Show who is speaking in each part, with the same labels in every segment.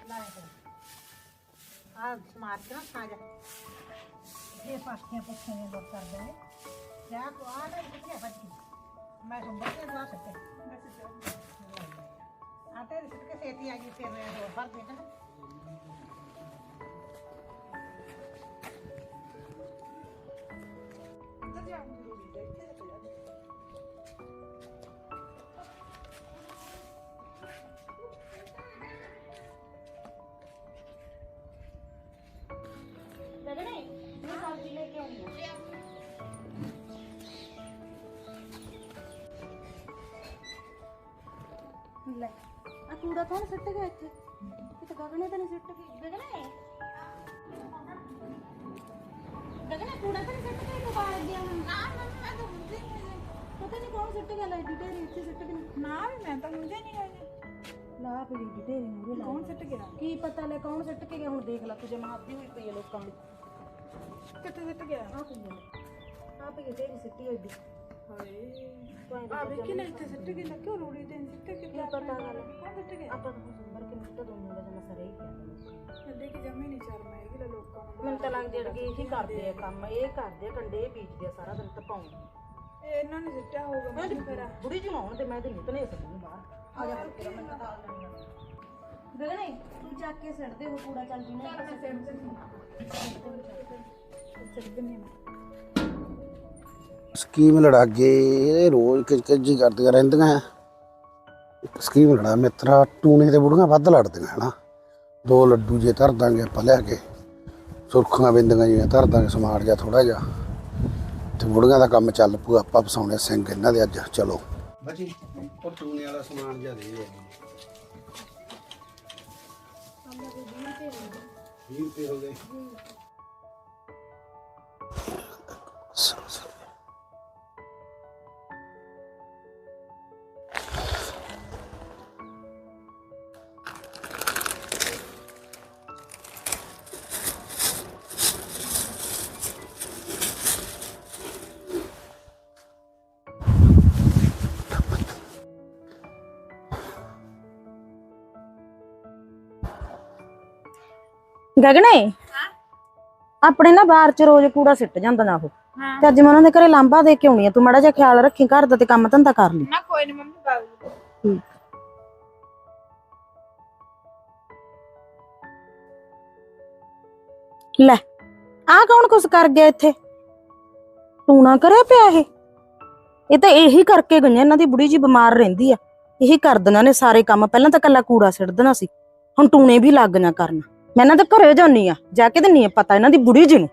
Speaker 1: ਆ ਸਮਾਰ ਕੇ ਨਾ ਖਾ ਜਾ ਇਹ ਪਾਸਕੀਆਂ ਪੁੱਛਾਂ ਨੇ ਲੋਕ ਕਰਦੇ ਨੇ ਜਾ ਕੋ ਆ ਨਾ ਕਿੱਥੇ ਬੱਜ ਗਈ ਮੈਂ ਸੰਭਲ ਕੇ ਦਵਾ ਸਕਤੇ ਆਟੇ ਦੇ ਸਿੱਟ ਕੇ ਸੇਤੀ ਆ ਗਈ ਫਿਰ ਮੈਂ ਹੋਰ ਭਰ ਦੇਣਾ
Speaker 2: ਲੈ ਆ ਕੂੜਾ ਕੌਣ ਸਿੱਟ ਗਿਆ ਇੱਥੇ ਕਿਤੇ ਗਗਨੇ ਤਾਂ ਨਹੀਂ ਸਿੱਟ ਗਈ ਗਗਨੇ ਕੂੜਾ ਤਾਂ ਨਹੀਂ ਸਿੱਟ ਕੇ ਤੂੰ ਬਾਹਰ ਗਿਆ ਹੁਣ ਨਾ ਮੈਂ ਤਾਂ ਮੁੰਡੇ ਪਤਾ ਨਹੀਂ ਕੌਣ ਸਿੱਟ ਗਿਆ ਲੈ ਢੇਰੀ ਇੱਥੇ ਸਿੱਟ ਕੇ
Speaker 1: ਨਾ ਮੈਂ ਤਾਂ ਮੁੰਡੇ ਨਹੀਂ ਆਇਆ
Speaker 2: ਲਾ ਪਈ ਢੇਰੀ ਮੂਰੇ ਲਾ
Speaker 1: ਕੌਣ ਸਿੱਟ ਗਿਆ
Speaker 2: ਕੀ ਪਤਾ ਲੈ ਕੌਣ ਸਿੱਟ ਕੇ ਗਿਆ ਹੁਣ ਦੇਖ ਲੈ ਤੁਝੇ ਮਾਰਦੀ ਹੋਈ ਪਈ ਹੈ ਲੋਕਾਂ ਦੀ
Speaker 1: ਕਿੱਥੇ ਸਿੱਟ ਗਿਆ
Speaker 2: ਆ ਪਈ ਢੇਰੀ ਸਿੱਟੀ ਹੋਈ
Speaker 1: ਹਾਏ ਆ ਵੇਖੀ ਲੈ ਇੱਥੇ ਸਿੱਟ ਕੇ ਨਾ ਕਿਉਂ ਰੋੜੀ ਦੇ ਸਿੱਟ ਕੇ
Speaker 2: ਕੀ ਪਤਾ ਗੱਲ
Speaker 1: ਕੌਣ ਸਿੱਟ ਗਿਆ
Speaker 2: ਆਪਾਂ ਨੂੰ ਸੰਭਰ ਕੇ ਨਿੱਤ ਦੋ ਮੁੰਡੇ ਦਾ ਸਰੇ ਹੀ ਪਿਆ
Speaker 1: ਅੱਡੇ ਕਿ ਜਮੇ ਨਹੀਂ ਚੱਲ ਮੈਂ ਇਹ ਲੋਕਾਂ ਨੂੰ
Speaker 2: ਮੈਨੂੰ ਤਾਂ ਲੱਗਦੀ ਅੜਗੇ ਇਹੀ ਕਰਦੇ ਆ ਕੰਮ ਇਹ ਕਰਦੇ ਆ ਕੰਡੇ ਇਹ ਬੀਜਦੇ ਆ ਸਾਰਾ ਦਿਨ ਤਪਾਉਂ
Speaker 1: ਇਹਨਾਂ ਨੇ ਸਿੱਟਿਆ ਹੋਊਗਾ ਮੈਂ ਫਿਰ
Speaker 2: ਬੁੜੀ ਜੀ ਆਉਣ ਤੇ ਮੈਂ ਤੇ ਨਹੀਂ ਤਨੇ ਸਕਦੀ ਬਾਹਰ ਆ ਜਾ ਫਿਰ ਮੈਂ ਤਾਂ ਤਾਲ ਲੈਣੀ ਗਗਨੇ ਤੂੰ ਚੱਕ ਕੇ ਸਿੱਟਦੇ ਹੋ ਕੂੜਾ ਚੱਲ ਜੀ ਨਾ
Speaker 1: ਸਿੱਟ ਦਿੰਨੀ
Speaker 3: ਸਕੀਮ ਲੜਾ ਕੇ ਇਹ ਰੋਜ਼ ਕਿਚਕਿਚੀ ਕਰਦੀਆਂ ਰਹਿੰਦੀਆਂ ਸਕੀਮ ਲੜਾ ਮਿੱਤਰਾ ਟੂਣੇ ਤੇ ਬੁੜੀਆਂ ਵੱਧ ਲੜਦੀਆਂ ਹਨਾ ਦੋ ਲੱਡੂ ਜੇ ਧਰ ਦਾਂਗੇ ਆਪਾਂ ਲਿਆ ਕੇ ਸੁਰਖੀਆਂ ਬਿੰਦੀਆਂ ਜਿਹੀਆਂ ਧਰ ਦਾਂਗੇ ਸਮਾਰ ਜਾ ਥੋੜਾ ਜਿਹਾ ਤੇ ਬੁੜੀਆਂ ਦਾ ਕੰਮ ਚੱਲ ਪੂ ਆਪਾਂ ਫਸਾਉਣੇ ਸਿੰਘ ਇਹਨਾਂ ਦੇ ਅੱਜ ਚਲੋ ਬਾਜੀ ਉਹ ਟੂਣੇ ਵਾਲਾ ਸਮਾਨ ਜਿਹਾ ਦੇ 20 ਰੁਪਏ ਹੋ ਗਏ
Speaker 2: ਗਗਨੇ ਆਪਣੇ ਨਾ ਬਾਹਰ ਚ ਰੋਜ਼ ਕੂੜਾ ਸਿੱਟ ਜਾਂਦਾ ਨਾ ਉਹ ਤੇ ਅੱਜ ਮੈਂ ਉਹਨਾਂ ਦੇ ਘਰੇ ਲਾਂਬਾ ਦੇ ਕੇ ਆਉਣੀ ਆ ਤੂੰ ਮਾੜਾ ਜਿਹਾ ਖਿਆਲ ਰੱਖੀ ਘਰ ਦਾ ਤੇ ਕੰਮ ਧੰਦਾ ਕਰ ਲਈ
Speaker 1: ਨਾ ਕੋਈ ਨਹੀਂ ਮੰਮੀ ਬਾਬੂ
Speaker 2: ਲੈ ਆ ਕੌਣ ਕੁਛ ਕਰ ਗਿਆ ਇੱਥੇ ਤੂੰ ਨਾ ਕਰਿਆ ਪਿਆ ਇਹ ਤਾਂ ਇਹੀ ਕਰਕੇ ਗਈਆਂ ਇਹਨਾਂ ਦੀ ਬੁੜੀ ਜੀ ਬਿਮਾਰ ਰਹਿੰਦੀ ਆ ਇਹੀ ਕਰਦੀਆਂ ਨੇ ਸਾਰੇ ਕੰਮ ਪਹਿਲਾਂ ਤਾਂ ਕੱਲਾ ਕੂੜਾ ਸਿੱਟ ਦੇਣਾ ਸੀ ਹੁਣ ਟੂਣੇ ਵੀ ਲੱਗ ਨਾ ਕਰਨ ਮੈਂ ਇਹਨਾਂ ਦੇ ਘਰੇ ਜਾਨੀ ਆ ਜਾ ਕੇ ਦਿੰਨੀ ਆ ਪਤਾ ਇਹਨਾਂ ਦੀ ਬੁੜੀ ਜੀ ਨੂੰ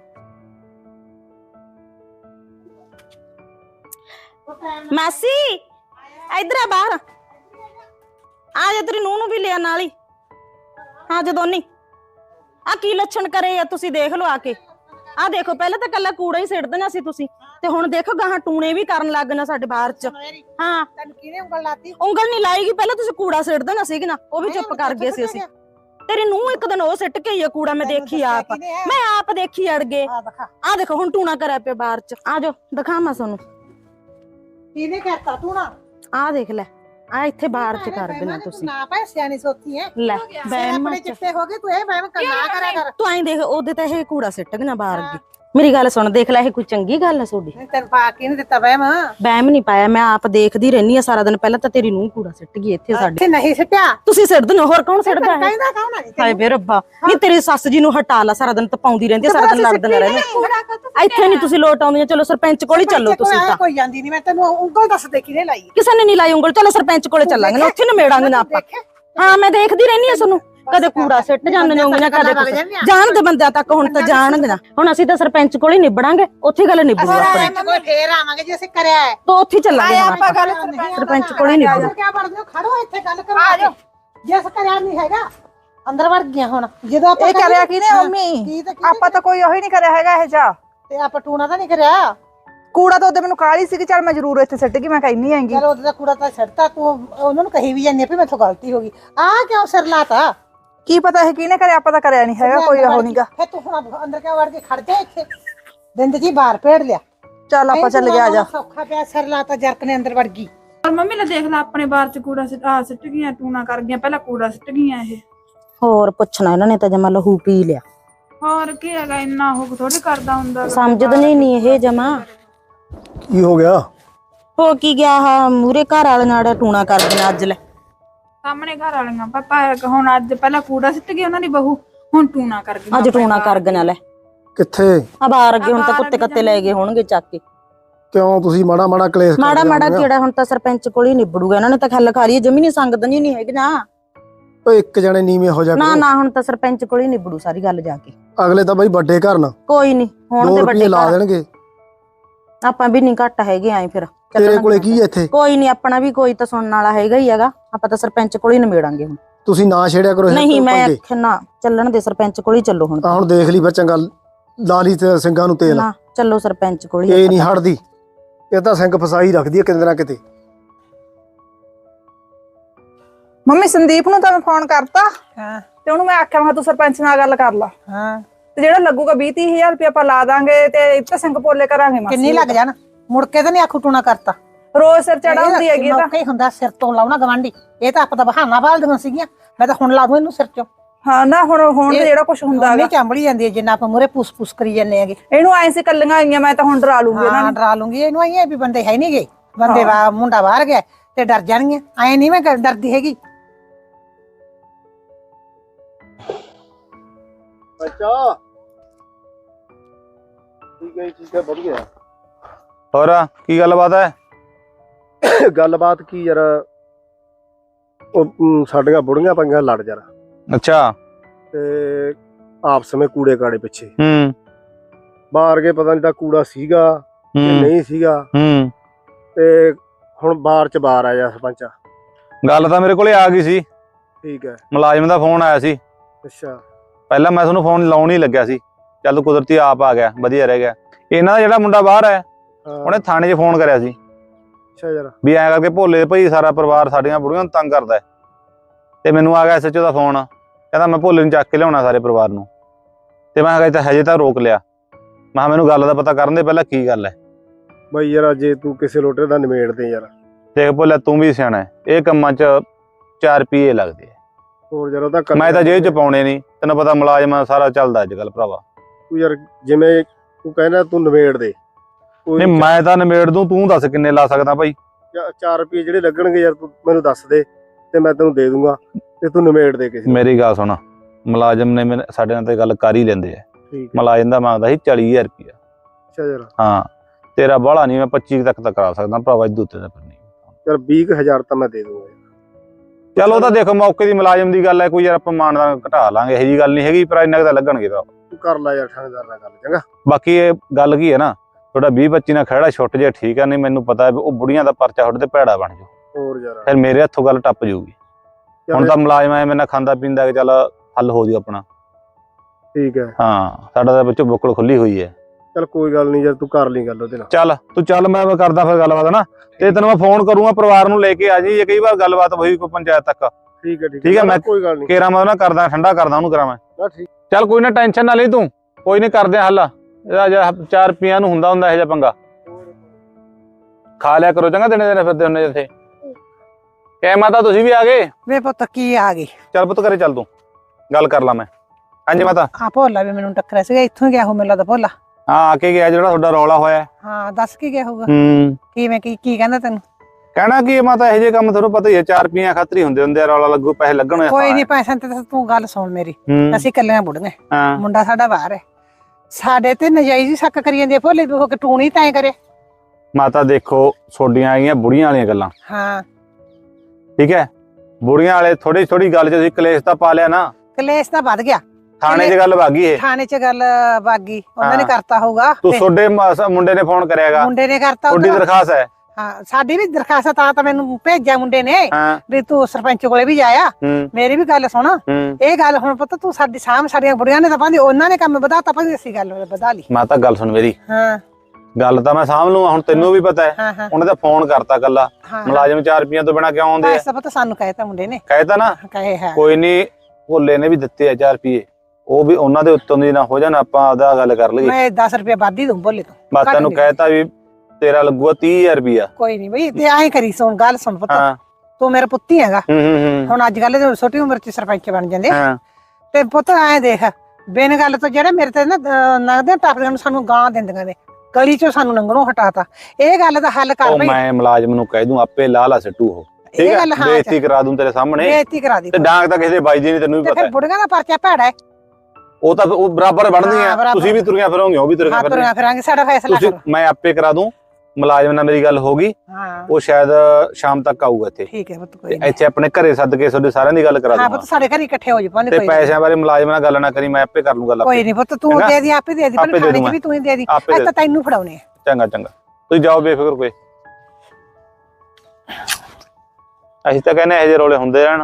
Speaker 2: ਮਾਸੀ ਇਧਰ ਆ ਬਾਹਰ ਆ ਜਾ ਤੇਰੀ ਨੂੰਹ ਨੂੰ ਵੀ ਲਿਆ ਨਾਲ ਹੀ ਹਾਂ ਜਦੋਂ ਨਹੀਂ ਆ ਕੀ ਲੱਛਣ ਕਰੇ ਆ ਤੁਸੀਂ ਦੇਖ ਲਓ ਆ ਕੇ ਆ ਦੇਖੋ ਪਹਿਲਾਂ ਤਾਂ ਕੱਲਾ ਕੂੜਾ ਹੀ ਸਿੱਟ ਦੇਣਾ ਸੀ ਤੁਸੀਂ ਤੇ ਹੁਣ ਦੇਖੋ ਗਾਹਾਂ ਟੂਣੇ ਵੀ ਕਰਨ ਲੱਗ ਗਏ ਸਾਡੇ ਬਾਹਰ ਚ ਹਾਂ
Speaker 1: ਤੈਨੂੰ ਕਿਹਨੇ ਉਂਗਲ ਲਾਤੀ
Speaker 2: ਉਂਗਲ ਨਹੀਂ ਲਾਏਗੀ ਪਹਿਲਾਂ ਤੁਸੀਂ ਕੂੜਾ ਸਿੱਟ ਦੇਣਾ ਸੀ ਨਾ ਉਹ ਵੀ ਚੁੱਪ ਕਰ ਗਏ ਸੀ ਅਸੀਂ ਤੇਰੀ ਨੂੰਹ ਇੱਕ ਦਿਨ ਉਹ ਸਿੱਟ ਕੇ ਆਈ ਕੂੜਾ ਮੈਂ ਦੇਖੀ ਆਪ ਮੈਂ ਆਪ ਦੇਖੀ ਅੜ ਗਏ ਆ ਦੇਖੋ ਹੁਣ ਟੂਣਾ ਕਰਿਆ ਪਿਆ ਬਾਹਰ ਚ ਆ ਜਾਓ ਦਿਖਾਵਾਂ ਤੁਹਾਨੂੰ
Speaker 1: ਕਿਹਨੇ ਕਰਤਾ ਟੂਣਾ
Speaker 2: ਆ ਦੇਖ ਲੈ ਆ ਇੱਥੇ ਬਾਹਰ ਚ ਕਰ ਦੇਣਾ ਤੁਸੀਂ
Speaker 1: ਨਾ ਭਾਈ ਸਿਆਣੀ ਸੋਤੀ ਹੈ
Speaker 2: ਲੈ ਬੈਮ
Speaker 1: ਆਪਣੇ ਚਿੱਟੇ ਹੋ ਗਏ ਤੂੰ ਇਹ ਵਹਿਮ ਨਾ ਕਰਿਆ ਕਰ
Speaker 2: ਤੂੰ ਐਂ ਦੇਖ ਉਹਦੇ ਤਾਂ ਇਹ ਕੂੜਾ ਸਿੱਟ ਗਈਆਂ ਬਾਹਰ ਅੱਗੇ ਮੇਰੀ ਗੱਲ ਸੁਣ ਦੇਖ ਲੈ ਇਹ ਕੋਈ ਚੰਗੀ ਗੱਲ ਹੈ ਤੁਹਾਡੀ
Speaker 1: ਤੈਨੂੰ ਪਾ ਕੇ ਨਹੀਂ ਦਿੱਤਾ ਵਹਿਮ
Speaker 2: ਬੈਮ ਨਹੀਂ ਪਾਇਆ ਮੈਂ ਆਪ ਦੇਖਦੀ ਰਹਿਨੀ ਆ ਸਾਰਾ ਦਿਨ ਪਹਿਲਾਂ ਤਾਂ ਤੇਰੀ ਨੂੰਹ ਕੂੜਾ ਸਿੱਟ ਗਈ ਇੱਥੇ ਸਾਡੇ
Speaker 1: ਤੇ ਨਹੀਂ ਸਿੱਟਿਆ
Speaker 2: ਤੁਸੀਂ ਸਿੱਟ ਦਿੰਦੇ ਹੋਰ ਕੌਣ ਸਿੱਟਦਾ ਹੈ
Speaker 1: ਕਹਿੰਦਾ ਕੌਣ ਆ
Speaker 2: ਹਾਏ ਵੇ ਰੱਬਾ ਨਹੀਂ ਤੇਰੀ ਸੱਸ ਜੀ ਨੂੰ ਹਟਾ ਲਾ ਸਾਰਾ ਦਿਨ ਤਪਾਉਂਦੀ ਰਹਿੰਦੀ ਆ ਸਾਰਾ ਦਿਨ ਲੜਦੀਆਂ ਰਹਿੰਦੀਆਂ ਇੱਥੇ ਨਹੀਂ ਤੁਸੀਂ ਲੋਟ ਆਉਂਦੀਆਂ ਚਲੋ ਸਰਪੰਚ ਕੋਲ ਹੀ ਚੱਲੋ ਤੁਸੀਂ ਤਾਂ
Speaker 1: ਕੋਈ ਜਾਂਦੀ ਨਹੀਂ ਮੈਂ ਤੈਨੂੰ ਉਂਗਲ ਦੱਸ ਦੇ ਕਿਹਨੇ ਲਾਈ
Speaker 2: ਕਿਸੇ ਨੇ ਨਹੀਂ ਲਾਈ ਉਂਗਲ ਚਲੋ ਸਰਪੰਚ ਕੋਲੇ ਚੱਲਾਂਗੇ ਨਾ ਉੱਥੇ ਨਿਮੇੜਾਂਗੇ ਨਾ ਆਪਾਂ ਹਾਂ ਮੈਂ ਦੇਖਦੀ ਰਹਿਨੀ ਆ ਤੁਹਾਨੂੰ ਕਦੇ ਕੂੜਾ ਸਿੱਟ ਜਾਂਦੇ ਉਂਗਲੀਆਂ ਕਦੇ ਜਾਣ ਦੇ ਬੰਦਿਆਂ ਤੱਕ ਹੁਣ ਤਾਂ ਜਾਣਗੇ ਨਾ ਹੁਣ ਅਸੀਂ ਤਾਂ ਸਰਪੰਚ ਕੋਲ ਹੀ ਨਿਬੜਾਂਗੇ ਉੱਥੇ ਗੱਲ ਨਿਬੜੂ ਆਪਣੇ
Speaker 1: ਕੋਈ ਫੇਰ ਆਵਾਂਗੇ ਜੇ ਅਸੀਂ ਕਰਿਆ ਹੈ
Speaker 2: ਤਾਂ ਉੱਥੇ ਚੱਲਾਂਗੇ
Speaker 1: ਆਪਾਂ ਗੱਲ
Speaker 2: ਸਰਪੰਚ ਕੋਲ ਹੀ ਨਿਬੜੂ
Speaker 1: ਕਿਆ ਪੜਦੇ ਹੋ ਖੜੋ ਇੱਥੇ ਗੱਲ ਕਰੋ ਆ ਜਾਓ ਜੇ ਅਸੀਂ ਕਰਿਆ ਨਹੀਂ ਹੈਗਾ ਅੰਦਰ ਵੜ ਗਿਆ ਹੁਣ ਜਦੋਂ ਆਪਾਂ
Speaker 4: ਇਹ ਕਰਿਆ ਕਿਨੇ ਮੰਮੀ ਆਪਾਂ ਤਾਂ ਕੋਈ ਉਹੀ ਨਹੀਂ ਕਰਿਆ ਹੈਗਾ ਇਹ ਜਾ
Speaker 1: ਤੇ ਆਪਾਂ ਟੂਣਾ ਤਾਂ ਨਹੀਂ ਕਰਿਆ
Speaker 4: ਕੂੜਾ ਤਾਂ ਉਹਦੇ ਮੈਨੂੰ ਕਾਲੀ ਸੀ ਕਿ ਚੱਲ ਮੈਂ ਜ਼ਰੂਰ ਇੱਥੇ ਸਿੱਟ ਗਈ ਮੈਂ ਕਹਿਨੀ ਆਂਗੀ
Speaker 1: ਚਲ ਉਹਦਾ ਕੂੜਾ ਤਾਂ ਛੱਡਤਾ ਤੂੰ ਉਹਨਾਂ ਨੂੰ ਕਹੀ ਵੀ ਜਾਂਦੀ ਵੀ ਮੈਥੋਂ ਗਲਤੀ ਹੋ ਗਈ ਆ ਕਿਉਂ ਸਿਰ ਲਾਤਾ
Speaker 4: ਕੀ ਪਤਾ ਇਹ ਕਿਨੇ ਕਰਿਆ ਆਪਾਂ ਤਾਂ ਕਰਿਆ ਨਹੀਂ ਹੈਗਾ ਕੋਈ ਉਹ ਨਹੀਂਗਾ
Speaker 1: ਫੇ ਤੂੰ ਹੁਣ ਅੰਦਰ ਕਿਉਂ ਵੜ ਕੇ ਖੜ ਜਾ ਇੱਥੇ ਬਿੰਦ ਜੀ ਬਾਹਰ ਪੇੜ ਲਿਆ
Speaker 4: ਚੱਲ ਆਪਾਂ ਚੱਲ ਗਿਆ ਜਾ
Speaker 1: ਸੌਖਾ ਪਿਆ ਸਿਰ ਲਾਤਾ ਜਰਕ ਨੇ ਅੰਦਰ ਵੜ ਗਈ
Speaker 5: ਔਰ ਮੰਮੀ ਲੈ ਦੇਖ ਲੈ ਆਪਣੇ ਬਾਹਰ ਚ ਕੂੜਾ ਸਿੱਟ ਗਈਆਂ ਟੂਣਾ ਕਰ ਗਈਆਂ ਪਹਿਲਾਂ ਕੂੜਾ ਸਿੱਟ ਗਈਆਂ ਇਹ
Speaker 2: ਹੋਰ ਪੁੱਛਣਾ ਇਹਨਾਂ ਨੇ ਤਾਂ ਜਮਾ ਲਹੂ ਪੀ ਲਿਆ।
Speaker 4: ਹੋਰ ਕੀ ਹੈਗਾ, ਇੰਨਾ ਉਹ ਥੋੜੀ ਕਰਦਾ ਹੁੰਦਾ।
Speaker 2: ਸਮਝਦੇ ਨਹੀਂ ਇਹ ਜਮਾ।
Speaker 5: ਕੀ ਹੋ ਗਿਆ?
Speaker 2: ਹੋ ਕੀ ਗਿਆ, ਹਾਂ ਮੂਰੇ ਘਰ ਵਾਲੇ ਨਾਲ ਟੂਣਾ ਕਰ ਦੇਣਾ ਅੱਜ ਲੈ।
Speaker 4: ਸਾਹਮਣੇ ਘਰ ਵਾਲੀਆਂ ਪਾਪਾ ਹੁਣ ਅੱਜ ਪਹਿਲਾਂ ਕੂੜਾ ਸਿੱਟ ਗਈ ਉਹਨਾਂ ਦੀ ਬਹੂ, ਹੁਣ ਟੂਣਾ ਕਰ ਗਈ।
Speaker 2: ਅੱਜ ਟੂਣਾ ਕਰ ਗਈਆਂ ਲੈ।
Speaker 5: ਕਿੱਥੇ?
Speaker 2: ਆ ਬਾਹਰ ਅੱਗੇ ਹੁਣ ਤਾਂ ਕੁੱਤੇ ਕੱਤੇ ਲੈ ਗਏ ਹੋਣਗੇ ਚੱਕ ਕੇ।
Speaker 5: ਕਿਉਂ ਤੁਸੀਂ ਮਾੜਾ ਮਾੜਾ ਕਲੇਸ਼ ਕਰਦੇ
Speaker 2: ਮਾੜਾ ਮਾੜਾ
Speaker 5: ਹੁੰਦੇ ਆ?
Speaker 2: ਕਿਹੜਾ, ਹੁਣ ਤਾਂ ਸਰਪੰਚ ਕੋਲ ਹੀ ਨਿਬੜੂਗਾ। ਇਹਨਾਂ ਨੇ ਤਾਂ ਖੱਲ ਖਾ ਲਈ, ਜ਼ਮੀਨੀ ਸੰਗਤ ਨਹੀਂ ਹੈਗੀ ਨਾ।
Speaker 5: ਓਏ ਇੱਕ ਜਣੇ ਨੀਵੇਂ ਹੋ ਜਾ
Speaker 2: ਨਾ
Speaker 5: ਕਰੋ।
Speaker 2: ਨਾ ਹੁਣ ਤਾਂ ਸਰਪੰਚ ਕੋਲ ਹੀ ਨਿਬੜੂ ਸਾਰੀ ਗੱਲ ਜਾ ਕੇ।
Speaker 5: ਅਗਲੇ ਤਾਂ ਬਈ ਵੱਡੇ ਘਰ ਨਾ
Speaker 2: ਕੋਈ ਨਹੀਂ ਹੁਣ
Speaker 5: 2
Speaker 2: ਤੇ
Speaker 5: ਰੁਪਏ
Speaker 2: ਵੱਡੇ
Speaker 5: ਲਾ
Speaker 2: ਘਰ।
Speaker 5: ਦੇਣਗੇ।
Speaker 2: ਆਪਾਂ ਵੀ ਨਹੀਂ ਘੱਟ ਹੈਗੇ ਆਏ ਫਿਰ।
Speaker 5: ਤੇਰੇ ਕੋਲੇ ਕੀ ਹੈ ਇੱਥੇ?
Speaker 2: ਕੋਈ ਨਹੀਂ, ਆਪਣਾ ਵੀ ਕੋਈ ਤਾਂ ਸੁਣਨ ਵਾਲਾ ਹੈਗਾ ਹੀ ਹੈਗਾ। ਆਪਾਂ ਤਾਂ ਸਰਪੰਚ ਕੋਲ ਹੀ ਨਿਬੇੜਾਂਗੇ ਹੁਣ।
Speaker 5: ਤੁਸੀਂ ਨਾ ਛੇੜਿਆ ਕਰੋ ਇਹ
Speaker 2: ਨਹੀਂ ਮੈਂ
Speaker 5: ਪੰਗੇ।
Speaker 2: ਆਖਿਆ ਨਾ ਚੱਲਣ ਦੇ, ਸਰਪੰਚ ਕੋਲ ਹੀ ਚੱਲੋ ਹੁਣ।
Speaker 5: ਆ ਹੁਣ ਦੇਖ ਲਈ ਫਿਰ ਚੰਗਾ, ਲਾ ਲਈ ਤੇ ਸਿੰਘਾਂ ਨੂੰ ਤੇਲ।
Speaker 2: ਨਾ ਚੱਲੋ ਸਰਪੰਚ ਕੋਲ ਹੀ।
Speaker 5: ਇਹ ਨਹੀਂ ਹਟਦੀ, ਇਹ ਤਾਂ ਸਿੰਘ ਫਸਾਈ ਰੱਖਦੀ ਹੈ ਕਿਤੇ ਨਾ ਕਿਤੇ।
Speaker 4: ਮੰਮੀ ਸੰਦੀਪ ਨੂੰ ਤਾਂ ਮੈਂ ਫੋਨ ਕਰਤਾ
Speaker 1: ਹਾਂ
Speaker 4: ਤੇ ਉਹਨੂੰ ਮੈਂ ਆਖਿਆ ਮੈਂ ਤੂੰ ਸਰਪੰਚ ਨਾਲ ਗੱਲ ਕਰ ਲਾ,
Speaker 1: ਹਾਂ
Speaker 4: ਤੇ ਜਿਹੜਾ ਲੱਗੂਗਾ 20-30 ਹਜ਼ਾਰ ਰੁਪਏ ਆਪਾਂ ਲਾ ਦਾਂਗੇ ਤੇ ਇੱਥੇ ਸਿੰਘ ਪੋਲੇ ਕਰਾਂਗੇ। ਮਾਸੀ
Speaker 1: ਕਿੰਨੀ ਲੱਗ ਜਾਣ, ਮੁੜ ਕੇ ਤਾਂ ਨਹੀਂ ਆਖੂ ਟੂਣਾ ਕਰਤਾ।
Speaker 4: ਰੋਜ਼ ਸਿਰ ਚੜਾ ਹੁੰਦੀ ਹੈਗੀ ਇਹ ਤਾਂ।
Speaker 1: ਮੌਕਾ ਹੀ ਹੁੰਦਾ ਸਿਰ ਤੋਂ ਲਾਉਣਾ ਗਵਾਂਢੀ। ਇਹ ਤਾਂ ਆਪਾਂ ਤਾਂ ਬਹਾਨਾ ਭਾਲਦੀਆਂ ਸੀਗੀਆਂ। ਮੈਂ ਤਾਂ ਹੁਣ ਲਾ ਦੂੰ ਇਹਨੂੰ ਸਿਰ ਚੋਂ।
Speaker 4: ਹਾਂ ਨਾ ਹੁਣ ਤੇ ਜਿਹੜਾ ਕੁਝ ਹੁੰਦਾ ਹੈਗਾ
Speaker 1: ਨਹੀਂ ਚੰਬੜੀ ਜਾਂਦੀ ਹੈ ਜਿੰਨਾ ਆਪਾਂ ਮੂਰੇ ਪੁੱਸ ਕਰੀ ਜਾਂਦੇ ਹੈਗੇ।
Speaker 4: ਇਹਨੂੰ ਐਂ ਸੀ ਕੱਲੀਆਂ ਆਈਆਂ, ਮੈਂ ਤਾਂ ਹੁਣ ਡਰਾ ਲੂੰਗੀ ਇਹਨਾਂ
Speaker 1: ਹਾਂ
Speaker 4: ਨੂੰ।
Speaker 1: ਡਰਾ ਲੂੰਗੀ ਇਹਨੂੰ। ਆਈਏ ਵੀ ਬੰਦੇ ਹੈ ਨਹੀਂ ਗਏ, ਬੰਦੇ ਮੁੰਡਾ ਬਾਹਰ ਗਿਆ ਤੇ ਡਰ ਜਾਣਗੀਆਂ। ਐ ਨਹੀਂ ਮੈਂ ਡਰਦੀ ਹੈਗੀ।
Speaker 5: ਅੱਛਾ ਠੀਕ ਹੈ ਵਧੀਆ।
Speaker 6: ਹੋਰ ਕੀ ਗੱਲਬਾਤ ਹੈ?
Speaker 5: ਗੱਲਬਾਤ ਕੀ ਯਾਰ, ਉਹ ਸਾਡੀਆਂ ਬੁੜੀਆਂ ਪਈਆਂ ਲੜ ਯਾਰ,
Speaker 6: ਅੱਛਾ।
Speaker 5: ਤੇ ਆਪਸ ਵਿੱਚ ਕੂੜੇ ਕਾੜੇ ਪਿੱਛੇ
Speaker 6: ਹੂੰ
Speaker 5: ਬਾਹਰ ਕੇ ਪਤਾ ਨਹੀਂ ਤਾਂ ਕੂੜਾ ਸੀਗਾ ਕਿ
Speaker 6: ਹੂੰ
Speaker 5: ਨਹੀਂ ਸੀਗਾ।
Speaker 6: ਹੂੰ
Speaker 5: ਤੇ ਹੁਣ ਬਾਹਰ ਚ ਬਾਹਰ ਆ ਜਾ ਸਰਪੰਚਾ।
Speaker 6: ਗੱਲ ਤਾਂ ਮੇਰੇ ਕੋਲੇ ਆ ਗਈ ਸੀ,
Speaker 5: ਠੀਕ ਹੈ।
Speaker 6: ਮੁਲਾਜ਼ਮ ਦਾ ਫੋਨ ਆਇਆ ਸੀ।
Speaker 5: ਅੱਛਾ
Speaker 6: ਪਹਿਲਾਂ ਮੈਂ ਤੁਹਾਨੂੰ ਫੋਨ ਲਾਉਣ ਹੀ ਲੱਗਿਆ ਸੀ, ਚੱਲ ਤੂੰ ਕੁਦਰਤੀ ਆਪ ਆ ਗਿਆ, ਵਧੀਆ ਰਹਿ ਗਿਆ। ਇਹਨਾਂ ਦਾ ਜਿਹੜਾ ਮੁੰਡਾ ਬਾਹਰ ਹੈ
Speaker 5: ਹਾਂ,
Speaker 6: ਉਹਨੇ ਥਾਣੇ 'ਚ ਫੋਨ ਕਰਿਆ ਸੀ
Speaker 5: ਅੱਛਾ ਯਾਰ
Speaker 6: ਵੀ ਐਂ ਕਰਕੇ ਭੋਲੇ ਭਾਈ ਸਾਰਾ ਪਰਿਵਾਰ ਸਾਡੀਆਂ ਬੁੜੀਆਂ ਨੂੰ ਤੰਗ ਕਰਦਾ ਹੈ। ਤੇ ਮੈਨੂੰ ਆ ਗਿਆ SHO ਦਾ ਫੋਨ, ਕਹਿੰਦਾ ਮੈਂ ਭੋਲੇ ਨੂੰ ਚੱਕ ਕੇ ਲਿਆਉਣਾ ਸਾਰੇ ਪਰਿਵਾਰ ਨੂੰ। ਤੇ ਮੈਂ ਕਿਹਾ ਹਜੇ ਤਾਂ ਰੋਕ ਲਿਆ। ਮੈਂ ਕਿਹਾ ਮੈਨੂੰ ਗੱਲ ਦਾ ਪਤਾ ਕਰਨ ਦੇ ਪਹਿਲਾਂ ਕੀ ਗੱਲ ਹੈ।
Speaker 5: ਬਈ ਯਾਰ ਜੇ ਤੂੰ ਕਿਸੇ ਲੋਟੇ ਦਾ ਨਿਮੇੜ ਦੇ ਯਾਰ।
Speaker 6: ਦੇਖ ਭੋਲੇ ਤੂੰ ਵੀ ਸਿਆਣਾ ਹੈ, ਇਹ ਕੰਮਾਂ 'ਚ 4 ਰੁਪਏ ਲੱਗਦੇ ਆ।
Speaker 5: ਹੋਰ ਯਾਰ ਉਹਦਾ
Speaker 6: ਮੈਂ ਤਾਂ ਜੇਬ 'ਚ ਪਾਉਣੇ ਨਹੀਂ, ਤੈਨੂੰ ਪਤਾ ਮੁਲਾਜ਼ਮ ਸਾਰਾ ਚੱਲਦਾ ਅੱਜ ਕੱਲ ਭਰਾਵਾ।
Speaker 5: ਤੂੰ ਯਾਰ ਜਿਵੇਂ ਤੂੰ ਕਹਿੰਦਾ ਤੂੰ ਨਿਮੇੜ ਦੇ।
Speaker 6: ਨਹੀਂ ਮੈਂ ਤਾਂ ਨਿਬੇੜ ਦੂੰ, ਤੂੰ ਦੱਸ ਕਿੰਨੇ ਲਾ ਸਕਦਾ ਭਾਈ?
Speaker 5: 4 ਰੁਪਏ ਜਿਹੜੇ ਲੱਗਣਗੇ ਯਾਰ ਤੂੰ ਮੈਨੂੰ ਦੱਸ ਦੇ ਤੇ ਮੈਂ ਤੈਨੂੰ ਦੇ ਦੂੰਗਾ ਤੇ ਤੂੰ ਨਿਮੇੜ ਦੇ ਕਿਸੇ ਨੂੰ।
Speaker 6: ਮੇਰੀ ਗੱਲ ਸੁਣ, ਮੁਲਾਜ਼ਮ ਨੇ ਸਾਡੇ ਨਾਲ ਤੇ ਗੱਲ ਕਰ ਹੀ ਲੈਂਦੇ ਆ।
Speaker 5: ਠੀਕ ਹੈ।
Speaker 6: ਮੁਲਾਜ਼ਮ ਦਾ ਮੰਗਦਾ ਸੀ 40,000 ਰੁਪਇਆ।
Speaker 5: ਅੱਛਾ ਯਾਰ
Speaker 6: ਹਾਂ ਤੇਰਾ ਬਾਹਲਾ ਨਹੀਂ, ਮੈਂ 25 ਤੱਕ ਤਾਂ ਕਰਾ ਸਕਦਾ ਭਰਾਵਾ, ਇਦੋਂ ਉੱਤੇ ਤਾਂ ਫਿਰ ਨਹੀਂ।
Speaker 5: ਯਾਰ 20,000 ਤਾਂ ਮੈਂ ਦੇ ਦੂੰਗਾ।
Speaker 6: ਚਲ ਉਹ ਤਾਂ ਦੇਖੋ ਮੌਕੇ ਦੀ ਮੁਲਾਜ਼ਮ ਦੀ ਗੱਲ ਹੈ, ਕੋਈ ਯਾਰ ਆਪਾਂ ਮਾਨਦਾਨ ਘਟਾ ਲਾਂਗੇ, ਇਹੋ ਜਿਹੀ ਗੱਲ ਨਹੀਂ ਹੈਗੀ, ਪਰ ਇੰਨਾ ਕੁ ਤਾਂ ਲੱਗਣਗੇ ਭਰਾ।
Speaker 5: ਤੂੰ ਕਰ ਲੈ ਯਾਰ ਥਾਣੇਦਾਰ ਨਾਲ ਗੱਲ, ਚੰਗਾ।
Speaker 6: ਬਾਕੀ ਇਹ ਗੱਲ ਕੀ ਹੈ ਨਾ, ਤੁਹਾਡਾ 20-25 ਨਾਲ ਖੜਾ ਛੁੱਟ ਜੇ ਠੀਕ ਆ, ਨਹੀਂ ਮੈਨੂੰ ਪਤਾ ਵੀ ਉਹ ਬੁੜੀਆਂ ਦਾ ਪਰਚਾ ਤੁਹਾਡੇ ਤੇ ਭੈੜਾ ਬਣ ਜਾਊ,
Speaker 5: ਹੋਰ ਯਾਰ
Speaker 6: ਫਿਰ ਮੇਰੇ ਹੱਥੋਂ ਗੱਲ ਟੱਪ ਜਾਊਗੀ। ਹੁਣ ਤਾਂ ਮੁਲਾਜ਼ਮ ਐ ਮੇਰੇ ਨਾਲ ਖਾਂਦਾ ਪੀਂਦਾ ਕਿ ਚੱਲ ਹੱਲ ਹੋ ਜੂ ਆਪਣਾ।
Speaker 5: ਠੀਕ ਹੈ।
Speaker 6: ਹਾਂ ਸਾਡਾ ਤਾਂ ਵਿੱਚੋਂ ਬੁੱਕਲ ਖੁੱਲੀ ਹੋਈ ਹੈ।
Speaker 5: ਚੱਲ ਕੋਈ ਗੱਲ ਨਹੀਂ ਯਾਰ, ਤੂੰ ਕਰ ਲਈ ਗੱਲ ਉਹਦੇ ਨਾਲ।
Speaker 6: ਚੱਲ ਤੂੰ ਚੱਲ, ਮੈਂ ਕਰਦਾ ਫਿਰ ਗੱਲਬਾਤ ਨਾ, ਤੇ ਤੈਨੂੰ ਮੈਂ ਫੋਨ ਕਰੂੰਗਾ, ਪਰਿਵਾਰ ਨੂੰ ਲੈ ਕੇ ਆ ਜੀ। ਜੇ ਕਈ ਵਾਰ ਗੱਲਬਾਤ ਹੋਈ ਕੋਈ ਪੰਚਾਇਤ ਤੱਕ,
Speaker 5: ਠੀਕ ਹੈ
Speaker 6: ਠੀਕ ਹੈ, ਮੈਂ
Speaker 5: ਕੋਈ ਗੱਲ ਨਹੀਂ।
Speaker 6: ਕੇਰਾ ਮੈਂ ਉਹਨਾਂ ਕਰਦਾ, ਠੰਡਾ ਕਰਦਾ ਉਹਨੂੰ ਕਰਾਂ ਮੈਂ।
Speaker 5: ਹਾਂ ਠੀਕ।
Speaker 6: ਚੱਲ ਕੋਈ ਨਾ ਟੈਨਸ਼ਨ ਨਾ ਲਈ ਤੂੰ, ਕੋਈ ਨਹੀਂ ਕਰਦੇ ਹੱਲ। ਇਹਦਾ ਜਿਹਾ 4 ਰੁਪਈਆਂ ਨੂੰ ਹੁੰਦਾ ਇਹੋ ਜਿਹਾ ਪੰਗਾ। ਖਾ ਲਿਆ ਕਰੋ ਚੰਗਾ, ਦਿਨੇ ਦਿਨੇ ਫਿਰਦੇ ਹੁੰਦੇ ਜਿੱਥੇ। ਕਹਿ ਮਾਤਾ ਤੁਸੀਂ ਵੀ ਆ ਗਏ?
Speaker 1: ਵੇ ਪੁੱਤ ਕੀ ਆ ਗਈ।
Speaker 6: ਚੱਲ ਪੁੱਤ ਘਰੇ ਚੱਲ, ਤੂੰ ਗੱਲ ਕਰ ਲਾ ਮੈਂ। ਹਾਂਜੀ ਮਾਤਾ।
Speaker 1: ਆ ਭੋਲਾ ਵੀ ਮੈਨੂੰ ਟੱਕਰਿਆ ਸੀਗਾ, ਇੱਥੋਂ ਗਿਆ ਹੋ ਮੈਨੂੰ ਲੱਗਦਾ ਭੋਲਾ।
Speaker 6: ਹਾਂ ਆ ਕੇ ਗਿਆ ਜਿਹੜਾ ਤੁਹਾਡਾ ਰੌਲਾ ਹੋਇਆ।
Speaker 1: ਹਾਂ ਦੱਸ ਕੀ ਗਿਆ ਹੋਊਗਾ। ਕਿਵੇਂ ਕੀ ਕਹਿੰਦਾ ਤੈਨੂੰ?
Speaker 6: ਕਹਿਣਾ ਕੀ ਮਾਤਾ, ਇਹੋ ਜਿਹੇ ਕੰਮ ਤੁਹਾਨੂੰ ਪਤਾ ਹੀ ਹੈ, 4 ਰੁਪਈਆਂ ਖਾਤਰ ਹੁੰਦੇ ਆ, ਰੌਲਾ ਲੱਗੂ, ਪੈਸੇ ਲੱਗਣ।
Speaker 1: ਕੋਈ ਨਹੀਂ ਪੈਸਿਆਂ ਤੇ ਤਾਂ ਤੂੰ ਗੱਲ ਸੁਣ ਮੇਰੀ। ਅਸੀਂ ਕੱਲੀਆਂ ਬੁੜੀਆਂ,
Speaker 6: ਹਾਂ
Speaker 1: ਮੁੰਡਾ ਸਾਡਾ ਬਾਹਰ ਹੈ, ਸਾਡੇ ਤੇ ਨਜਾਇਜ਼ ਹੀ ਸ਼ੱਕ ਕਰੀ ਜਾਂਦੇ। ਭੋਲੇ ਵੀ ਹੋ ਕੇ ਟੂਣੀ ਤੈਂ ਕਰੇ।
Speaker 6: ਮਾਤਾ ਦੇਖੋ ਛੋਡੀਆਂ ਆਈਆਂ ਬੁੜੀਆਂ ਵਾਲੀਆਂ ਗੱਲਾਂ,
Speaker 1: ਹਾਂ
Speaker 6: ਠੀਕ ਹੈ। ਬੁੜੀਆਂ ਵਾਲੇ ਥੋੜੀ ਗੱਲ ਚ ਤੁਸੀਂ ਕਲੇਸ਼ ਤਾਂ ਪਾ ਲਿਆ ਨਾ,
Speaker 1: ਕਲੇਸ਼ ਤਾਂ ਵੱਧ ਗਿਆ।
Speaker 6: ਥਾਣੇ 'ਚ ਗੱਲ ਵਾਗੀ ਇਹ।
Speaker 1: ਥਾਣੇ 'ਚ ਗੱਲ ਵਾਗੀ, ਉਹਨਾਂ ਨੇ
Speaker 6: ਹਾਂ।
Speaker 1: ਕਰਤਾ ਹੋਊਗਾ।
Speaker 6: ਤੂੰ ਤੁਹਾਡੇ ਮੁੰਡੇ ਨੇ ਫੋਨ ਕਰਿਆਗਾ,
Speaker 1: ਮੁੰਡੇ ਨੇ ਕਰਤਾ।
Speaker 6: ਤੁਹਾਡੀ ਦਰਖਾਸਤ ਹੈ।
Speaker 1: ਹਾਂ ਸਾਡੀ ਵੀ ਦਰਖਾਸਤ ਤਾਂ ਮੈਨੂੰ ਭੇਜਿਆ ਮੁੰਡੇ ਨੇ
Speaker 6: ਹਾਂ
Speaker 1: ਵੀ ਤੂੰ ਸਰਪੰਚ ਕੋਲੇ ਵੀ ਜਾਇਆ।
Speaker 6: ਹੂੰ
Speaker 1: ਮੇਰੀ ਵੀ ਗੱਲ ਸੁਣ,
Speaker 6: ਹੂੰ।
Speaker 1: ਇਹ ਗੱਲ ਹੁਣ ਪਤਾ ਤੂੰ ਸਾਡੀ ਸਾਡੀਆਂ ਬੁੜੀਆਂ ਨੇ ਤਾਂ ਪਾਉਂਦੀ, ਉਹਨਾਂ ਨੇ ਕੰਮ ਵਧਾਤਾ, ਪਾਉਂਦੀ ਅਸੀਂ ਗੱਲ ਵਧਾ ਲਈ।
Speaker 6: ਮਾਤਾ ਗੱਲ ਸੁਣ ਮੇਰੀ,
Speaker 1: ਹਾਂ
Speaker 6: ਗੱਲ ਤਾਂ ਮੈਂ ਸਾਂਭ ਲੂੰ, ਹੁਣ ਤੈਨੂੰ ਵੀ ਪਤਾ ਹੈ।
Speaker 1: ਹਾਂ ਹਾਂ
Speaker 6: ਉਹਨੇ ਤਾਂ ਫੋਨ ਕਰਤਾ ਕੱਲਾ,
Speaker 1: ਹਾਂ
Speaker 6: ਮੁਲਾਜ਼ਮ 4 ਰੁਪਈਆਂ ਤੋਂ ਬਿਨਾ ਕਿਉਂ ਆਉਂਦੇ ਆ?
Speaker 1: ਪੈਸਾ ਪਤਾ ਸਾਨੂੰ ਕਹਿਤਾ ਮੁੰਡੇ ਨੇ,
Speaker 6: ਕਹਿਤਾ ਨਾ,
Speaker 1: ਕਹੇ ਹੈ।
Speaker 6: ਕੋਈ ਨਹੀਂ, ਭੋਲੇ ਨੇ ਵੀ ਦਿੱਤੇ ਆ 4 ਰੁਪਈਏ, ਉਹ ਵੀ ਉਹਨਾਂ ਦੇ ਉੱਤੋਂ ਦੀ ਨਾ ਹੋ ਜਾਣ, ਆਪਾਂ ਆਪਦਾ ਗੱਲ ਕਰ ਲਈਏ।
Speaker 1: ਮੈਂ 10 ਰੁਪਏ ਵੱਧ ਹੀ ਦੂੰ ਭੋਲੇ ਤੋਂ।
Speaker 6: ਬਸ
Speaker 1: ਘੱਟ
Speaker 6: ਤੈਨੂੰ
Speaker 1: ਨੀ।
Speaker 6: ਕਹਿਤਾ ਵੀ ਤੇਰਾ ਲੱਗੂਗਾ 30,000 ਰੁਪਈਆ।
Speaker 1: ਕੋਈ ਨਹੀਂ ਬਈ, ਤੇ ਐਂ ਕਰੀ ਸੁਣ ਗੱਲ ਸੁਣ ਪੁੱਤ,
Speaker 6: ਹਾਂ
Speaker 1: ਤੂੰ ਮੇਰਾ ਪੁੱਤ ਹੀ ਹੈਗਾ।
Speaker 6: ਹੂੰ।
Speaker 1: ਹੁਣ ਅੱਜ ਕੱਲ ਛੋਟੀ ਉਮਰ 'ਚ ਸਰਪੰਚ ਬਣ ਜਾਂਦੇ।
Speaker 6: ਹਾਂ
Speaker 1: ਤੇ ਪੁੱਤ ਐ ਦੇਖ ਬਿਨ ਗੱਲ ਤੋਂ ਜਿਹੜੇ ਮੇਰੇ ਤੇ ਨਾ ਨਗਦੇ ਟੱਪਦੇ ਨੂੰ ਸਾਨੂੰ ਗਾਂ ਦਿੰਦੀਆਂ ਨੇ ਗਲੀ ਚੋਂ ਸਾਨੂੰ ਲੰਘਣੋਂ ਹਟਾਤਾ ਇਹ ਗੱਲ ਦਾ ਹੱਲ ਕਰ
Speaker 6: ਉਹ
Speaker 1: ਭਈ
Speaker 6: ਮੈਂ ਮੁਲਾਜ਼ਮ ਨੂੰ ਕਹਿ ਦੂੰ ਆਪੇ ਲਾ ਸਿੱਟੂ ਉਹ ਠੀਕ
Speaker 1: ਇਹ
Speaker 6: ਹੈ
Speaker 1: ਗੱਲ ਹਾਂ
Speaker 6: ਬੇਇੱਜ਼ਤੀ ਕਰਾ ਦੂੰ ਤੇਰੇ ਸਾਹਮਣੇ
Speaker 1: ਬੇਇੱਜ਼ਤੀ ਕਰਾ ਦੀ
Speaker 6: ਤੇ ਡਾਂਗ ਤਾਂ ਕਿਸੇ ਦੇ ਬਾਈਜੀ ਨਹੀਂ ਤੈਨੂੰ ਵੀ
Speaker 1: ਤੇ
Speaker 6: ਪਤਾ
Speaker 1: ਫਿਰ
Speaker 6: ਹੈ
Speaker 1: ਬੁੜੀਆਂ ਦਾ ਪਰਚਾ ਭੈੜਾ ਹੈ
Speaker 6: ਉਹ ਤਾਂ ਉਹ ਬਰਾਬਰ
Speaker 1: ਹਾਂ,
Speaker 6: ਬਣਦੀਆਂ
Speaker 1: ਬਰਾਬਰ।
Speaker 6: ਤੁਸੀਂ ਵੀ ਤੁਰੀਆਂ ਫਿਰੋਗੇ ਉਹ ਵੀ ਤੁਰੀਆਂ
Speaker 1: ਹਾਂ
Speaker 6: ਫਿਰਦੀਆਂ
Speaker 1: ਤੁਰਿਆ ਫਿਰਾਂਗੇ ਸਾਡਾ ਫੈਸਲਾ
Speaker 6: ਤੁਸੀਂ
Speaker 1: ਕਰੋ
Speaker 6: ਮੈਂ ਆਪੇ ਕਰਾ ਦੂੰ ਮੁਲਾਜ਼ਮ ਨਾਲ ਮੇਰੀ ਗੱਲ ਹੋ ਗਈ
Speaker 1: ਹਾਂ
Speaker 6: ਉਹ ਸ਼ਾਇਦ ਸ਼ਾਮ ਤੱਕ ਆਊਗਾ ਇੱਥੇ
Speaker 1: ਠੀਕ ਹੈ ਪੁੱਤ
Speaker 6: ਤੇ
Speaker 1: ਕੋਈ ਨੀ।
Speaker 6: ਇੱਥੇ ਆਪਣੇ ਘਰੇ ਸੱਦ ਕੇ ਤੁਹਾਡੇ ਸਾਰਿਆਂ ਦੀ ਗੱਲ ਕਰਾ
Speaker 1: ਹਾਂ
Speaker 6: ਦੂੰਗਾ
Speaker 1: ਪੁੱਤ ਸਾਡੇ ਘਰ ਇਕੱਠੇ ਹੋ ਜਾਪਾਂ
Speaker 6: ਤੇ ਪੈਸਿਆਂ ਬਾਰੇ ਮੁਲਾਜ਼ਮ ਨਾਲ ਗੱਲ ਨਾ ਕਰੀ ਮੈਂ ਆਪੇ ਕਰ ਲੂੰ ਗੱਲ
Speaker 1: ਕੋਈ
Speaker 6: ਆਪੇ
Speaker 1: ਨਹੀਂ ਪੁੱਤ ਤੂੰ
Speaker 6: ਚੰਗਾ?
Speaker 1: ਦੇ ਦੀ ਆਪੇ ਦੇ ਦੀ
Speaker 6: ਆਪੇ
Speaker 1: ਪਰ
Speaker 6: ਦੇ
Speaker 1: ਖਾਣੇ
Speaker 6: ਦੂੰ
Speaker 1: ਚ ਵੀ ਤੂੰ ਹੀ ਦੇ ਦੀ
Speaker 6: ਆਪੇ ਦੇ
Speaker 1: ਤਾਂ ਤੈਨੂੰ ਫੜਾਉਣੇ ਆ
Speaker 6: ਚੰਗਾ ਤੁਸੀਂ ਜਾਓ ਬੇਫਿਕਰ ਕੋਈ ਅਸੀਂ ਤਾਂ ਕਹਿੰਦੇ ਇਹੋ ਜਿਹੇ ਰੋਲੇ ਹੁੰਦੇ ਰਹਿਣ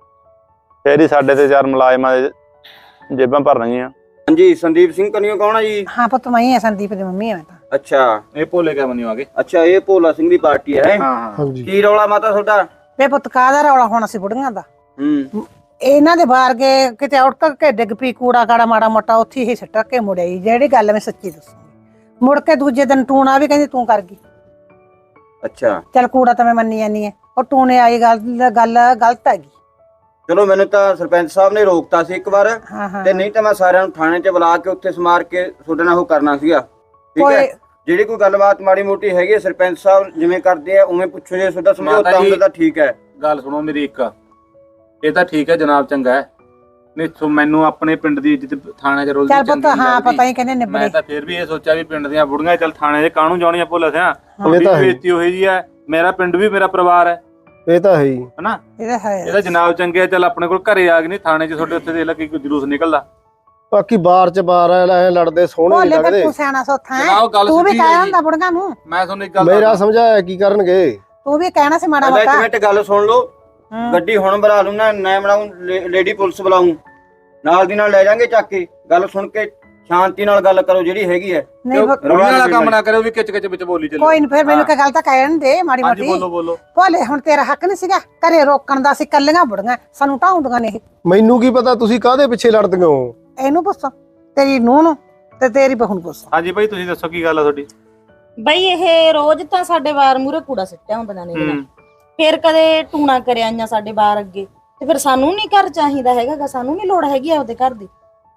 Speaker 6: ਫੇਰ ਹੀ ਸਾਡੇ ਤੇ ਚਾਰ ਮੁਲਾਜ਼ਮਾਂ ਦੇ ਜੇਬਾਂ ਭਰਨਗੀਆਂ
Speaker 7: ਹਾਂਜੀ ਸੰਦੀਪ ਸਿੰਘ ਕਨੀਓ ਕੌਣ ਆ ਜੀ
Speaker 1: ਹਾਂ ਪੁੱਤ ਮੈਂ ਹੀ ਆ ਸੰਦੀਪ ਦੀ ਮੰਮੀ ਆ ਮੈਂ ਤਾਂ
Speaker 7: ਅੱਛਾ
Speaker 6: ਇਹ ਭੋਲੇ ਕਿਆ ਬਣੀ ਆਗੇ
Speaker 7: ਅੱਛਾ ਇਹ ਭੋਲਾ ਸਿੰਘ ਦੀ ਪਾਰਟੀ ਹੈ
Speaker 6: ਹਾਂ
Speaker 3: ਹਾਂਜੀ
Speaker 7: ਕੀ ਰੌਲਾ ਮਾਤਾ ਤੁਹਾਡਾ
Speaker 1: ਵੇ ਪੁੱਤ ਕਾਹਦਾ ਰੌਲਾ ਹੋਣਾ ਸੀ ਬੁੜੀਆਂ ਦਾ
Speaker 7: ਹੂੰ
Speaker 1: ਇਹਨਾਂ ਦੇ ਬਾਹਰ ਗਏ ਕਿਤੇ ਉੱਠ ਕੇ ਡਿੱਗ ਪਈ ਕੂੜਾ ਕਾੜਾ ਮਾੜਾ ਮੋਟਾ ਉੱਥੇ ਹੀ ਸਿੱਟ ਕੇ ਮੁੜਿਆ ਜਿਹੜੀ ਗੱਲ ਮੈਂ ਸੱਚੀ ਦੱਸੂਗੀ ਮੁੜ ਕੇ ਦੂਜੇ ਦਿਨ ਟੂਣਾ ਵੀ ਕਹਿੰਦੀ ਤੂੰ ਕਰ ਗਈ
Speaker 7: ਅੱਛਾ
Speaker 1: ਚੱਲ ਕੂੜਾ ਤਾਂ ਮੈਂ ਮੰਨੀ ਜਾਂਦੀ ਐ ਉਹ ਟੂਣੇ ਆਈ ਗੱਲ ਗਲਤ ਹੈਗੀ
Speaker 7: ਚਲੋ ਮੈਨੂੰ ਤਾਂ ਸਰਪੰਚ ਸਾਹਿਬ ਨੇ ਰੋਕਤਾ ਸੀ ਇੱਕ ਵਾਰ
Speaker 1: ਹਾਂ ਹਾਂ
Speaker 7: ਤੇ ਨਹੀਂ ਤਾਂ ਮੈਂ ਸਾਰਿਆਂ ਨੂੰ ਥਾਣੇ 'ਚ ਬੁਲਾ ਕੇ ਉੱਥੇ ਸਮਾਰ ਕੇ ਤੁਹਾਡੇ ਨਾਲ ਉਹ ਕਰਨਾ ਸੀਗਾ ਠੀਕ ਹੈ ਜਿਹੜੀ ਕੋਈ ਗੱਲਬਾਤ ਮਾੜੀ ਮੋਟੀ ਹੈਗੀ ਹੈ, ਸਰਪੰਚ ਸਾਹਿਬ ਜਿਵੇਂ ਕਰਦੇ ਆ ਉਵੇਂ ਪੁੱਛੋ ਜੇ ਤੁਹਾਡਾ ਸਮਝੌਤਾ ਹੁੰਦਾ ਤਾਂ ਠੀਕ ਹੈ
Speaker 6: ਗੱਲ ਸੁਣੋ ਮੇਰੀ ਇੱਕ ਇਹ ਤਾਂ ਠੀਕ ਹੈ ਜਨਾਬ ਚੰਗਾ ਹੈ ਨਹੀਂ ਮੈਨੂੰ ਆਪਣੇ ਪਿੰਡ ਦੀ ਇੱਜ਼ਤ ਥਾਣੇ 'ਚ ਰੋਲ
Speaker 1: ਚੱਲ ਪੁੱਤ ਹਾਂ ਪਤਾ ਹੀ ਕਹਿੰਦੇ ਨਿਬੜੇ
Speaker 6: ਮੈਂ ਤਾਂ ਫਿਰ ਵੀ ਇਹ ਸੋਚਿਆ ਵੀ ਪਿੰਡ ਦੀਆਂ ਬੁੜੀਆਂ ਚੱਲ ਥਾਣੇ 'ਚ ਕਾਹਨੂੰ ਜਾਣੀਆਂ ਭੁੱਲ ਸਿਆ
Speaker 3: ਇਹ
Speaker 6: ਤੁਹਾਡੀ
Speaker 3: ਤਾਂ ਹੈ।
Speaker 6: ਬੇਇੱਜ਼ਤੀ ਹੋਈ ਜੀ ਹੈ ਮੇਰਾ ਪਿੰਡ ਵੀ ਮੇਰਾ ਪਰਿਵਾਰ ਹੈ
Speaker 3: ਇਹ ਤਾਂ ਹੈ ਹੀ
Speaker 6: ਹਨਾ
Speaker 1: ਇਹਦਾ ਹੈ
Speaker 6: ਇਹਦਾ ਜਨਾਬ ਚੰਗੇ ਚੱਲ ਆਪਣੇ ਕੋਲ ਘਰੇ ਆ ਗਏ ਨਹੀਂ ਥਾਣੇ 'ਚ ਤੁਹਾਡੇ ਉੱਥੇ ਦੇ ਲੱਗੀ ਕੋਈ ਜਲੂਸ ਨਿਕਲਦਾ
Speaker 3: ਬਾਕੀ ਬਾਰ ਚ ਬਾਰ ਐ ਲੜਦੇ ਸੋਹਣੇ ਨਹੀਂ
Speaker 1: ਭੋਲੇ ਫਿਰ
Speaker 3: ਲੱਗਦੇ
Speaker 1: ਤੂੰ ਸਿਆਣਾ ਸੋਥਾ ਹੈ
Speaker 6: ਜਨਾਬ ਗੱਲ
Speaker 1: ਤੂੰ ਵੀ
Speaker 6: ਸਿੱਧੀ
Speaker 1: ਕਹਿ
Speaker 6: ਹੈ
Speaker 1: ਹੁੰਦਾ ਬੁੜੀਆਂ ਨੂੰ
Speaker 6: ਮੈਂ ਤੁਹਾਨੂੰ ਇੱਕ ਗੱਲ
Speaker 3: ਮੇਰਾ
Speaker 6: ਦੱਸਦਾ।
Speaker 3: ਸਮਝਾਇਆ ਕੀ ਕਰਨਗੇ
Speaker 1: ਤੂੰ ਵੀ ਕਹਿਣਾ ਸੀ ਮਾੜਾ
Speaker 7: ਪਹਿਲਾਂ ਇੱਕ
Speaker 1: ਮੋਟਾ
Speaker 7: ਮਿੰਟ ਗੱਲ ਸੁਣ ਲਓ
Speaker 1: ਹੂੰ।
Speaker 7: ਗੱਡੀ ਹੁਣ ਬੁਲਾ ਲੂੰ ਨਾ ਮੈਂ ਬਣਾਉਂ ਲੇਡੀ ਪੁਲਿਸ ਬੁਲਾਉਂ ਨਾਲ ਦੀ ਨਾਲ ਲੈ ਜਾਾਂਗੇ ਚੱਕ ਕੇ ਗੱਲ ਸੁਣ ਕੇ ਸ਼ਾਂਤੀ ਨਾਲ ਗੱਲ ਕਰੋ ਜਿਹੜੀ ਹੈਗੀ ਹੈ
Speaker 1: ਨਹੀਂ ਪੁੱਤ,
Speaker 6: ਰੋਣੀ ਵਾਲਾ ਕੰਮ ਨਾ ਕਰਿਓ ਵੀ ਕਿਚ ਕਿਚ ਵਿੱਚ ਬੋਲੀ ਚੱਲੋ
Speaker 1: ਕੋਈ ਨਹੀਂ ਫਿਰ ਮੈਨੂੰ ਕੀ ਗੱਲ ਤਾਂ ਕਹਿਣ ਦੇ ਮਾੜੀ
Speaker 6: ਹਾਂਜੀ
Speaker 1: ਮੋਟੀ
Speaker 6: ਬੋਲੋ
Speaker 1: ਭੋਲੇ ਹੁਣ ਤੇਰਾ ਹੱਕ ਨਹੀਂ ਸੀਗਾ ਘਰੇ ਰੋਕਣ ਦਾ ਸੀ ਕੱਲੀਆਂ ਬੁੜੀਆਂ ਸਾਨੂੰ ਢਾਉਂਦੀਆਂ ਨੇ ਇਹ
Speaker 3: ਮੈਨੂੰ ਕੀ ਪਤਾ ਤੁਸੀਂ ਕਾਹਦੇ ਪਿੱਛੇ ਲੜਦੇ ਹੋ
Speaker 1: ਇਹਨੂੰ ਪੁੱਛ ਤੇਰੀ ਨੂੰਹ ਨੂੰ ਤੇ ਤੇਰੀ ਬਹੂ ਨੂੰ ਪੁੱਛ
Speaker 6: ਹਾਂਜੀ ਭਾਈ ਤੁਸੀਂ ਦੱਸੋ ਕੀ ਗੱਲ ਆ ਤੁਹਾਡੀ
Speaker 2: ਬਈ ਇਹ ਰੋਜ਼ ਤਾਂ ਸਾਡੇ ਬਾਰ ਮੂਰੇ ਕੂੜਾ ਸਿੱਟਿਆ ਹੁੰਦੀਆਂ ਨੇ ਇਹਦੇ ਨਾਲ। ਫਿਰ ਕਦੇ ਟੂਣਾ ਕਰਿਆ ਆਈਆਂ ਸਾਡੇ ਬਾਰ ਅੱਗੇ ਤੇ ਫਿਰ ਸਾਨੂੰ ਨਹੀਂ ਘਰ ਚਾਹੀਦਾ ਹੈਗਾ ਸਾਨੂੰ ਨਹੀਂ ਲੋੜ ਹੈਗੀ ਆਪਦੇ ਘਰ ਦੀ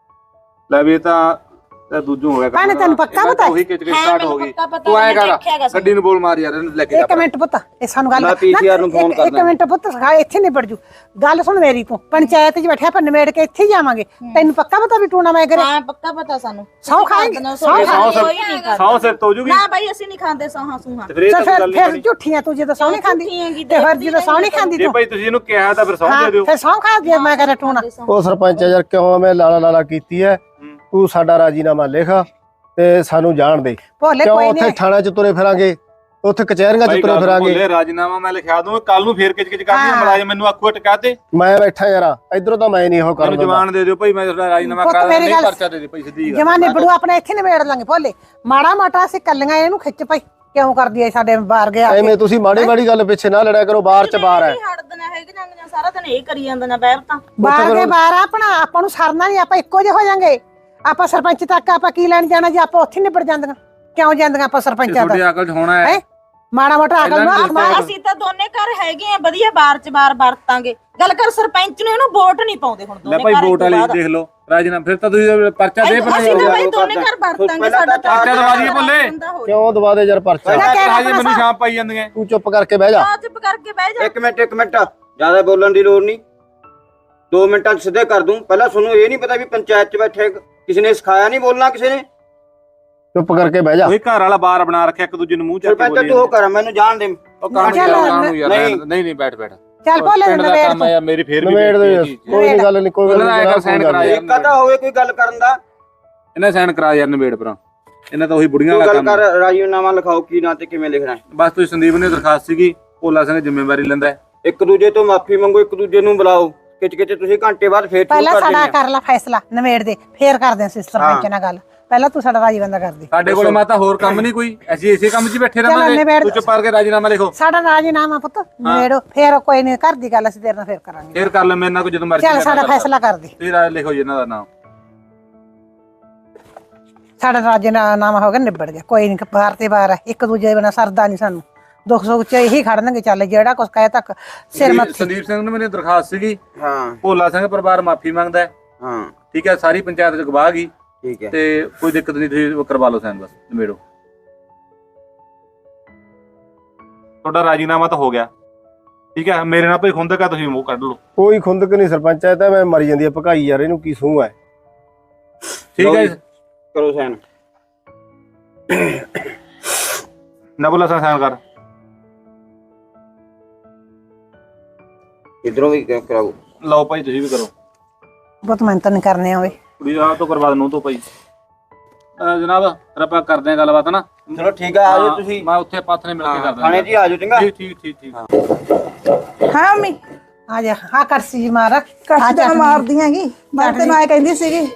Speaker 6: ਲੈ ਵੀ ਇਹ ਤਾਂ ਦੂਜੂ ਹੋ ਗਿਆ
Speaker 1: ਭੈਣੇ, ਤੈਨੂੰ ਪੱਕਾ
Speaker 6: ਇਹਦਾ
Speaker 1: ਪਤਾ
Speaker 6: ਤਾਂ ਉਹੀ ਕਿਚ ਕਿਚ ਸਟਾਰਟ ਹੋ ਗਈ
Speaker 2: ਪੱਕਾ ਪਤਾ
Speaker 6: ਤੂੰ ਐਂ ਕਰ
Speaker 2: ਦੇਖਿਆਗਾ
Speaker 6: ਗੱਡੀ ਨੂੰ ਬੋਲ ਮਾਰ ਯਾਰ ਇਹਨੂੰ ਲੈ ਕੇ
Speaker 1: ਇੱਕ ਮਿੰਟ ਪੁੱਤ ਇਹ ਸਾਨੂੰ ਗੱਲ
Speaker 7: ਮੈਂ PCR ਨੂੰ ਫੋਨ
Speaker 1: ਇੱਕ
Speaker 7: ਕਰਦਾ।
Speaker 1: ਮਿੰਟ ਪੁੱਤ ਇੱਥੇ ਨਿਬੜ ਜੂ ਗੱਲ ਸੁਣ ਮੇਰੀ ਤੂੰ ਪੰਚਾਇਤ 'ਚ ਬੈਠਿਆ ਆਪਾਂ ਨਿਬੇੜ ਕੇ ਇੱਥੇ ਹੀ ਜਾਵਾਂਗੇ ਤੈਨੂੰ ਪੱਕਾ ਪਤਾ ਵੀ ਟੂਣਾ ਮੈਂ ਕਰੇ
Speaker 2: ਹਾਂ ਪੱਕਾ ਪਤਾ ਸਾਨੂੰ
Speaker 1: ਸਹੁੰ ਖਾਏਂਗੇ?
Speaker 2: ਸੌ
Speaker 1: ਸਹੁੰ
Speaker 2: ਕੋਈ ਨਹੀਂ ਕਰਦਾ
Speaker 6: ਸੌ ਸਿਰ ਤੋਂ ਜੂਗੀ
Speaker 2: ਨਾ ਬਈ ਅਸੀਂ ਨਹੀਂ ਖਾਂਦੇ ਸੌਹਾਂ ਸੂਹਾਂ
Speaker 6: ਤੇ ਫਿਰ ਇਹ ਤਾਂ ਕੋਈ ਗੱਲ ਨਹੀਂ
Speaker 1: ਫਿਰ
Speaker 6: ਬਣੀ।
Speaker 1: ਝੂਠੀਆਂ ਤੂੰ ਜਦੋਂ ਸਹੁੰ ਨਹੀਂ ਖਾਂਦੀ
Speaker 2: ਝੂਠੀਆਂ ਕੀ
Speaker 1: ਤੇ ਫਿਰ ਜਦੋਂ ਸਹੁੰ ਨਹੀਂ ਖਾਂਦੀ
Speaker 6: ਜੇ
Speaker 1: ਤੂੰ
Speaker 6: ਭਾਈ ਤੁਸੀਂ ਇਹਨੂੰ ਕਿਹਾ ਤਾਂ ਫਿਰ ਸੌਂ
Speaker 1: ਹਾਂ
Speaker 6: ਦੇ ਦਿਓ
Speaker 1: ਫਿਰ ਸਹੁੰ ਖਾ ਜੇ ਮੈਂ ਕਰੇ ਟੂਣਾ
Speaker 3: ਉਹ ਸਰਪੰਚ ਯਾਰ ਕਿਉਂ ਮੈਂ ਲਾਲਾ ਕੀਤੀ ਐ ਤੂੰ ਸਾਡਾ ਰਾਜੀਨਾਮਾ ਲਿਖ ਤੇ ਸਾਨੂੰ ਜਾਣ ਦੇ
Speaker 1: ਭੋਲੇ
Speaker 3: ਕਿਉਂ
Speaker 1: ਕੋਈ
Speaker 3: ਉੱਥੇ
Speaker 1: ਨਹੀਂ
Speaker 3: ਥਾਣੇ ਚ ਤੁਰੇ ਫਿਰਾਂਗੇ ਉੱਥੇ ਕਚਹਿਰੀਆਂ ਚ ਤੁਰੇ ਫਿਰਾਂਗੇ
Speaker 6: ਬੋਲੇ ਰਾਜਨਾਮਾ ਮੈਂ ਲਿਖਿਆ ਦੂੰ ਕੱਲ ਨੂੰ ਫੇਰ ਕਿਚ ਕਿਚ ਕਰਨੀ
Speaker 1: ਹਾਂ।
Speaker 6: ਮਲਾਜਮ ਮੈਨੂੰ ਆਖੂ ਟਕਾ ਤੇ
Speaker 3: ਮੈਂ ਬੈਠਾ ਯਾਰ ਇਧਰੋਂ ਤਾਂ ਮੈਂ ਨਹੀਂ ਉਹ
Speaker 6: ਮੈਨੂੰ
Speaker 3: ਕਰਨ ਦਿੰਦਾ
Speaker 6: ਜਵਾਨ ਦੇ ਦਿਓ ਭਾਈ ਮੈਂ ਤੁਹਾਡਾ ਰਾਜਨਾਮਾ
Speaker 1: ਪੁੱਤ
Speaker 6: ਕਰਾ
Speaker 1: ਮੇਰੀ
Speaker 6: ਨਹੀਂ
Speaker 1: ਗੱਲ-
Speaker 6: ਪਰਚਾ ਦੇ ਦੇ ਭਾਈ ਸਿੱਧੀ ਗੱਲ
Speaker 1: ਜਮਾਨੇ ਬੜੂ ਆਪਣੇ ਇੱਥੇ ਨਿਬੇੜ ਲਾਂਗੇ ਭੋਲੇ ਮਾੜਾ ਮੋਟਾ ਅਸੀਂ ਕੱਲੀਆਂ ਇਹਨੂੰ ਖਿੱਚ ਪਈ ਕਿਉਂ ਕਰਦੀ ਐ ਸਾਡੇ ਬਾਹਰ ਗਿਆ
Speaker 3: ਐਵੇਂ ਤੁਸੀਂ ਮਾੜੀ ਮਾੜੀ ਗੱਲ ਪਿੱਛੇ ਨਾ ਲੜਿਆ ਕਰੋ ਬਾਹਰ ਚ ਬਾਹਰ ਐ
Speaker 2: ਹੜਦੀਆਂ ਹੈਗੀਆਂ ਸਾਰਾ ਦਿਨ ਇਹ ਕਰੀ ਜਾਂਦੀਆਂ ਬੈਰ ਤਾਂ
Speaker 1: ਬਾਹਰ ਦੇ ਬਾਹਰ ਆਪਣਾ ਆਪਾਂ ਨੂੰ ਸਰਨਾ ਨਹੀਂ ਆਪਾਂ ਇੱਕੋ ਜਿਹੇ ਹੋ ਜਾਾਂਗੇ ਆਪਾਂ ਸਰਪੰਚ ਤੱਕ ਆਪਾਂ ਕੀ ਲੈਣ ਜਾਣਾ ਜੇ ਆਪਾਂ ਉੱਥੇ ਨਿਬੜ ਜਾਂਦੀਆਂ ਕਿਉਂ ਜਾਂਦੀਆਂ ਆਪਾਂ ਸਰਪੰਚਾਂ
Speaker 6: ਤੁਹਾਡੀ
Speaker 1: ਦਾ
Speaker 6: ਅਕਲ 'ਚ ਹੋਣਾ ਹੈ
Speaker 1: ਹੈਂ? ਮਾੜਾ ਮੋਟਾ ਅਕਲ
Speaker 6: ਇਹਨਾਂ
Speaker 1: ਨੂੰ
Speaker 6: ਨੂੰ
Speaker 2: ਅਸੀਂ ਤਾਂ ਦੋਨੇ ਘਰ ਹੈਗੇ ਆ ਵਧੀਆ ਬਾਰ ਚ ਬਾਰ ਵਰਤਾਂਗੇ ਗੱਲ ਕਰ ਸਰਪੰਚ ਨੂੰ ਇਹਨੂੰ ਵੋਟ ਨਹੀਂ ਪਾਉਂਦੇ ਹੁਣ
Speaker 6: ਲੈ
Speaker 2: ਦੋਨੇ
Speaker 6: ਭਾਈ
Speaker 2: ਘਰ
Speaker 6: ਵੋਟ ਵਾਲੀ ਦੇਖ ਲਓ ਰਾਜਨਾਮਾ ਫਿਰ ਤਾਂ ਤੁਸੀਂ ਪਰਚਾ ਦੇ
Speaker 2: ਅਸੀਂ ਤਾਂ ਭਾਈ
Speaker 7: ਉਹ
Speaker 2: ਦੋਨੇ
Speaker 7: ਕਰਦਾ।
Speaker 2: ਘਰ ਵਰਤਾਂਗੇ
Speaker 7: ਪਹਿਲਾਂ
Speaker 2: ਸਾਡਾ
Speaker 7: ਤਾਂ
Speaker 6: ਪਰਚਾ ਦਵਾ ਦਈਏ ਭੁੱਲੇ।
Speaker 3: ਕਿਉਂ ਦਵਾ ਦੇ ਯਾਰ ਪਰਚਾ
Speaker 1: ਪਹਿਲਾਂ ਕਹਿ
Speaker 6: ਹਜੇ ਮੈਨੂੰ ਸ਼ਾਮ ਪਾਈ ਜਾਂਦੀਆਂ
Speaker 3: ਤੂੰ ਚੁੱਪ ਕਰਕੇ ਬਹਿ ਜਾ
Speaker 2: ਚੁੱਪ ਕਰਕੇ ਬਹਿ ਜਾ
Speaker 7: ਇੱਕ ਮਿੰਟ ਜ਼ਿਆਦਾ ਬੋਲਣ ਦੀ ਲੋੜ ਨਹੀਂ 2 ਮਿੰਟਾਂ 'ਚ ਸਿੱਧੇ ਕਰ ਦੂੰ ਪਹਿਲਾਂ ਤੁਹਾਨੂੰ ਇਹ ਨਹੀਂ ਪਤਾ ਵੀ ਪੰਚਾਇਤ 'ਚ ਬੈਠੇ ਕਿਸੇ ਨੇ ਸਿਖਾਇਆ ਨਹੀਂ ਬੋਲਣਾ ਕਿਸੇ ਨੇ
Speaker 3: ਚੁੱਪ ਕਰਕੇ ਬਹਿ ਜਾ
Speaker 6: ਉਹੀ ਘਰ ਵਾਲਾ ਬਾਰ ਬਣਾ ਰੱਖਿਆ ਇੱਕ ਦੂਜੇ ਨੂੰ ਮੂੰਹ ਚੱਕ ਕੇ
Speaker 7: ਸਰਪੰਚ
Speaker 6: ਬੋਲੀ
Speaker 7: ਤੂੰ ਉਹ ਕਰ ਮੈਨੂੰ ਜਾਣ ਦੇ
Speaker 6: ਉਹ ਕੰਮ
Speaker 1: ਚੱਲ,
Speaker 6: ਨੂੰ ਯਾਰ
Speaker 7: ਨਹੀਂ।
Speaker 6: ਨਹੀਂ ਬੈਠ
Speaker 1: ਚੱਲ ਭੋਲੇ
Speaker 6: ਪਿੰਡ ਦਾ
Speaker 1: ਨਿਬੇੜ
Speaker 6: ਕੰਮ
Speaker 1: ਤੂੰ
Speaker 6: ਆ ਯਾਰ ਮੇਰੀ ਫੇਰ ਵੀ
Speaker 3: ਨਵੇੜ ਦੇ
Speaker 6: ਬੇਇੱਜ਼ਤੀ ਹੈ।
Speaker 3: ਕੋਈ ਗੱਲ ਨਹੀਂ ਕੋਈ ਗੱਲ
Speaker 6: ਉਹਨਾਂ ਨੇ
Speaker 3: ਨਹੀਂ
Speaker 6: sign ਕਰਾਇਆ।
Speaker 7: ਇੱਕ ਅੱਧਾ ਹੋਵੇ ਕੋਈ ਗੱਲ ਕਰਨ ਦਾ
Speaker 6: ਇਹਨਾਂ ਸਾਈਨ ਕਰਾ ਯਾਰ ਨਵੇੜ ਪਰਾਂ ਇਹਨਾਂ ਤਾਂ ਉਹੀ ਬੁੜੀਆਂ
Speaker 7: ਤੂੰ
Speaker 6: ਵਾਲਾ
Speaker 7: ਗੱਲ
Speaker 6: ਕੰਮ
Speaker 7: ਕਰ ਰਾਜੀਨਾਮਾ ਲਿਖਾਓ ਕੀ ਨਾਂ ਤੇ ਕਿਵੇਂ ਲਿਖਣਾ ਹੈ।
Speaker 6: ਬਸ ਤੁਸੀਂ ਸੰਦੀਪ ਨੇ ਦਰਖਾਸਤ ਸੀਗੀ ਭੋਲਾ ਸਿੰਘ ਜ਼ਿੰਮੇਵਾਰੀ ਲੈਂਦਾ ਹੈ।
Speaker 7: ਇੱਕ ਦੂਜੇ ਤੋਂ ਮਾਫੀ ਮੰਗੋ ਇੱਕ ਦੂਜੇ ਨੂੰ ਬੁਲਾਓ ਕਿਚ ਤੁਸੀਂ ਘੰਟੇ ਬਾਅਦ ਫੇਰ ਸ਼ੁਰੂ
Speaker 1: ਪਹਿਲਾਂ
Speaker 7: ਕਰ
Speaker 1: ਸਾਡਾ
Speaker 7: ਦਿੰਦੇ
Speaker 1: ਕਰ ਲਾ ਫੈਸਲਾ ਨਿਬੇੜ ਦੇ ਫੇਰ ਕਰਦੇ ਅਸੀਂ ਸਰਪੰਚ ਨਾਲ ਗੱਲ ਪਹਿਲਾਂ ਤੂੰ ਸਾਡਾ ਰਾਜੀ ਬੰਦਾ ਕਰਦੀ
Speaker 6: ਸਾਡੇ ਕੋਲ ਮਾਤਾ ਹੋਰ ਕੰਮ ਨਹੀਂ ਕੋਈ ਅਸੀਂ ਇਸੇ ਕੰਮ 'ਚ ਹੀ ਬੈਠੇ
Speaker 1: ਚੱਲ
Speaker 6: ਰਹਾਂਗੇ
Speaker 1: ਨਿਬੇੜ
Speaker 6: ਤੂੰ ਚੁੱਪ ਕਰਕੇ ਰਾਜੀਨਾਮਾ ਲਿਖੋ
Speaker 1: ਸਾਡਾ ਰਾਜੀਨਾਮਾ ਪੁੱਤ ਨਿਬੇੜੋ ਫੇਰ ਕੋਈ ਨਹੀਂ ਘਰ ਦੀ ਗੱਲ ਅਸੀਂ ਤੇਰੇ ਨਾਲ ਫੇਰ ਕਰਾਂਗੇ
Speaker 6: ਫੇਰ ਕਰ ਲੈ ਮੇਰੇ ਨਾਲ ਕੋਈ ਜਦੋਂ ਮਰਜ਼ੀ
Speaker 1: ਚੱਲ ਸਾਡਾ ਫੈਸਲਾ ਕਰ ਦੇ
Speaker 6: ਤੁਸੀਂ ਰਾਜ ਲਿਖੋ ਜੀ ਇਹਨਾਂ ਦਾ ਨਾਮ
Speaker 1: ਸਾਡਾ ਰਾਜੀਨਾਮਾ ਹੋ ਗਿਆ ਨਿਬੜ ਗਿਆ ਕੋਈ ਨਹੀਂ ਬਾਹਰ ਤੇ ਬਾਹਰ ਹੈ ਇੱਕ ਦੂਜੇ ਦੇ ਬਿਨਾਂ ਸਰਦਾ ਨਹੀਂ ਸਾਨੂੰ ਦੁੱਖ ਸੁੱਖ ਚ ਇਹੀ ਖੜਨਗੇ ਚੱਲ ਜਿਹੜਾ ਕੁਛ ਕਹੇ ਤੱਕ ਸਿਰ ਮੱਥੇ
Speaker 6: ਸੰਦੀਪ ਸਿੰਘ ਨੂੰ ਮੇਰੀ ਦਰਖਾਸਤ ਸੀਗੀ
Speaker 7: ਹਾਂ
Speaker 6: ਭੋਲਾ ਸਿੰਘ ਪਰਿਵਾਰ ਮਾਫੀ ਮੰਗਦਾ ਹੈ
Speaker 7: ਹਾਂ
Speaker 6: ਠੀਕ ਹੈ, ਸਾਰੀ ਪੰਚਾਇਤ ਚ ਗਵਾਹ ਗਈ
Speaker 7: ਠੀਕ ਹੈ।
Speaker 6: ਤੇ ਕੋਈ ਦਿੱਕਤ ਨਹੀਂ, ਤੁਸੀਂ ਕਰਵਾ ਲਓ ਸਾਈਨ, ਬਸ ਨਿਬੇੜੋ। ਤੁਹਾਡਾ ਰਾਜੀਨਾਮਾ ਤਾਂ ਹੋ ਗਿਆ, ਠੀਕ ਹੈ। ਮੇਰੇ ਨਾਲ ਭਾਈ ਖੁੰਦਕ ਆ, ਤੁਸੀਂ ਮੂੰਹ ਕੱਢ ਲਓ।
Speaker 5: ਕੋਈ ਖੁੰਦਕ ਨਹੀਂ ਸਰਪੰਚ, ਇਹ ਤਾਂ ਮੈਂ ਮਰੀ ਜਾਂਦੀ ਆ ਭਕਾਈ ਯਾਰ, ਇਹਨੂੰ ਕੀ ਸੂਹ ਹੈ।
Speaker 6: ਠੀਕ ਹੈ ਜੀ,
Speaker 7: ਕਰੋ ਸਾਈਨ।
Speaker 6: ਨਬੁਲਾ ਸਾਈਨ ਕਰ।
Speaker 7: ਇਧਰੋਂ ਵੀ ਕਰਾਓ।
Speaker 6: ਲਓ ਭਾਈ, ਤੁਸੀਂ ਵੀ ਕਰੋ।
Speaker 1: ਬਹੁਤ ਮਿਹਨਤ ਨਹੀਂ ਕਰਨੇ ਆਵੇ।
Speaker 6: ਕੁੜੀ ਆ ਤੋਂ ਕਰਵਾ ਦਨੂੰ ਤੋਂ ਭਾਈ। ਜਨਾਬ ਫਿਰ ਆਪਾਂ ਕਰਦੇ ਆਂ ਗੱਲਬਾਤ ਨਾ।
Speaker 7: ਚਲੋ ਠੀਕ ਆ, ਆਜੋ ਤੁਸੀਂ।
Speaker 6: ਮੈਂ ਉੱਥੇ ਪਾਥ ਨੇ ਮਿਲ ਕੇ ਕਰ ਦਿੰਦਾ।
Speaker 7: ਥਾਣੇ 'ਚ ਹੀ ਆਜੋ, ਚੰਗਾ।
Speaker 6: ਠੀਕ ਠੀਕ ਠੀਕ ਠੀਕ।
Speaker 2: ਹਾਂ ਮੰਮੀ
Speaker 1: ਆ ਜਾ, ਹਾਂ ਕਰਸੀ ਜੀ ਮਾਰ।
Speaker 2: ਕੱਟ ਤਾਂ ਮਾਰਦੀ ਹੈਗੀ, ਮੈਂ ਤੈਨੂੰ ਐ ਕਹਿੰਦੀ ਸੀਗੀ।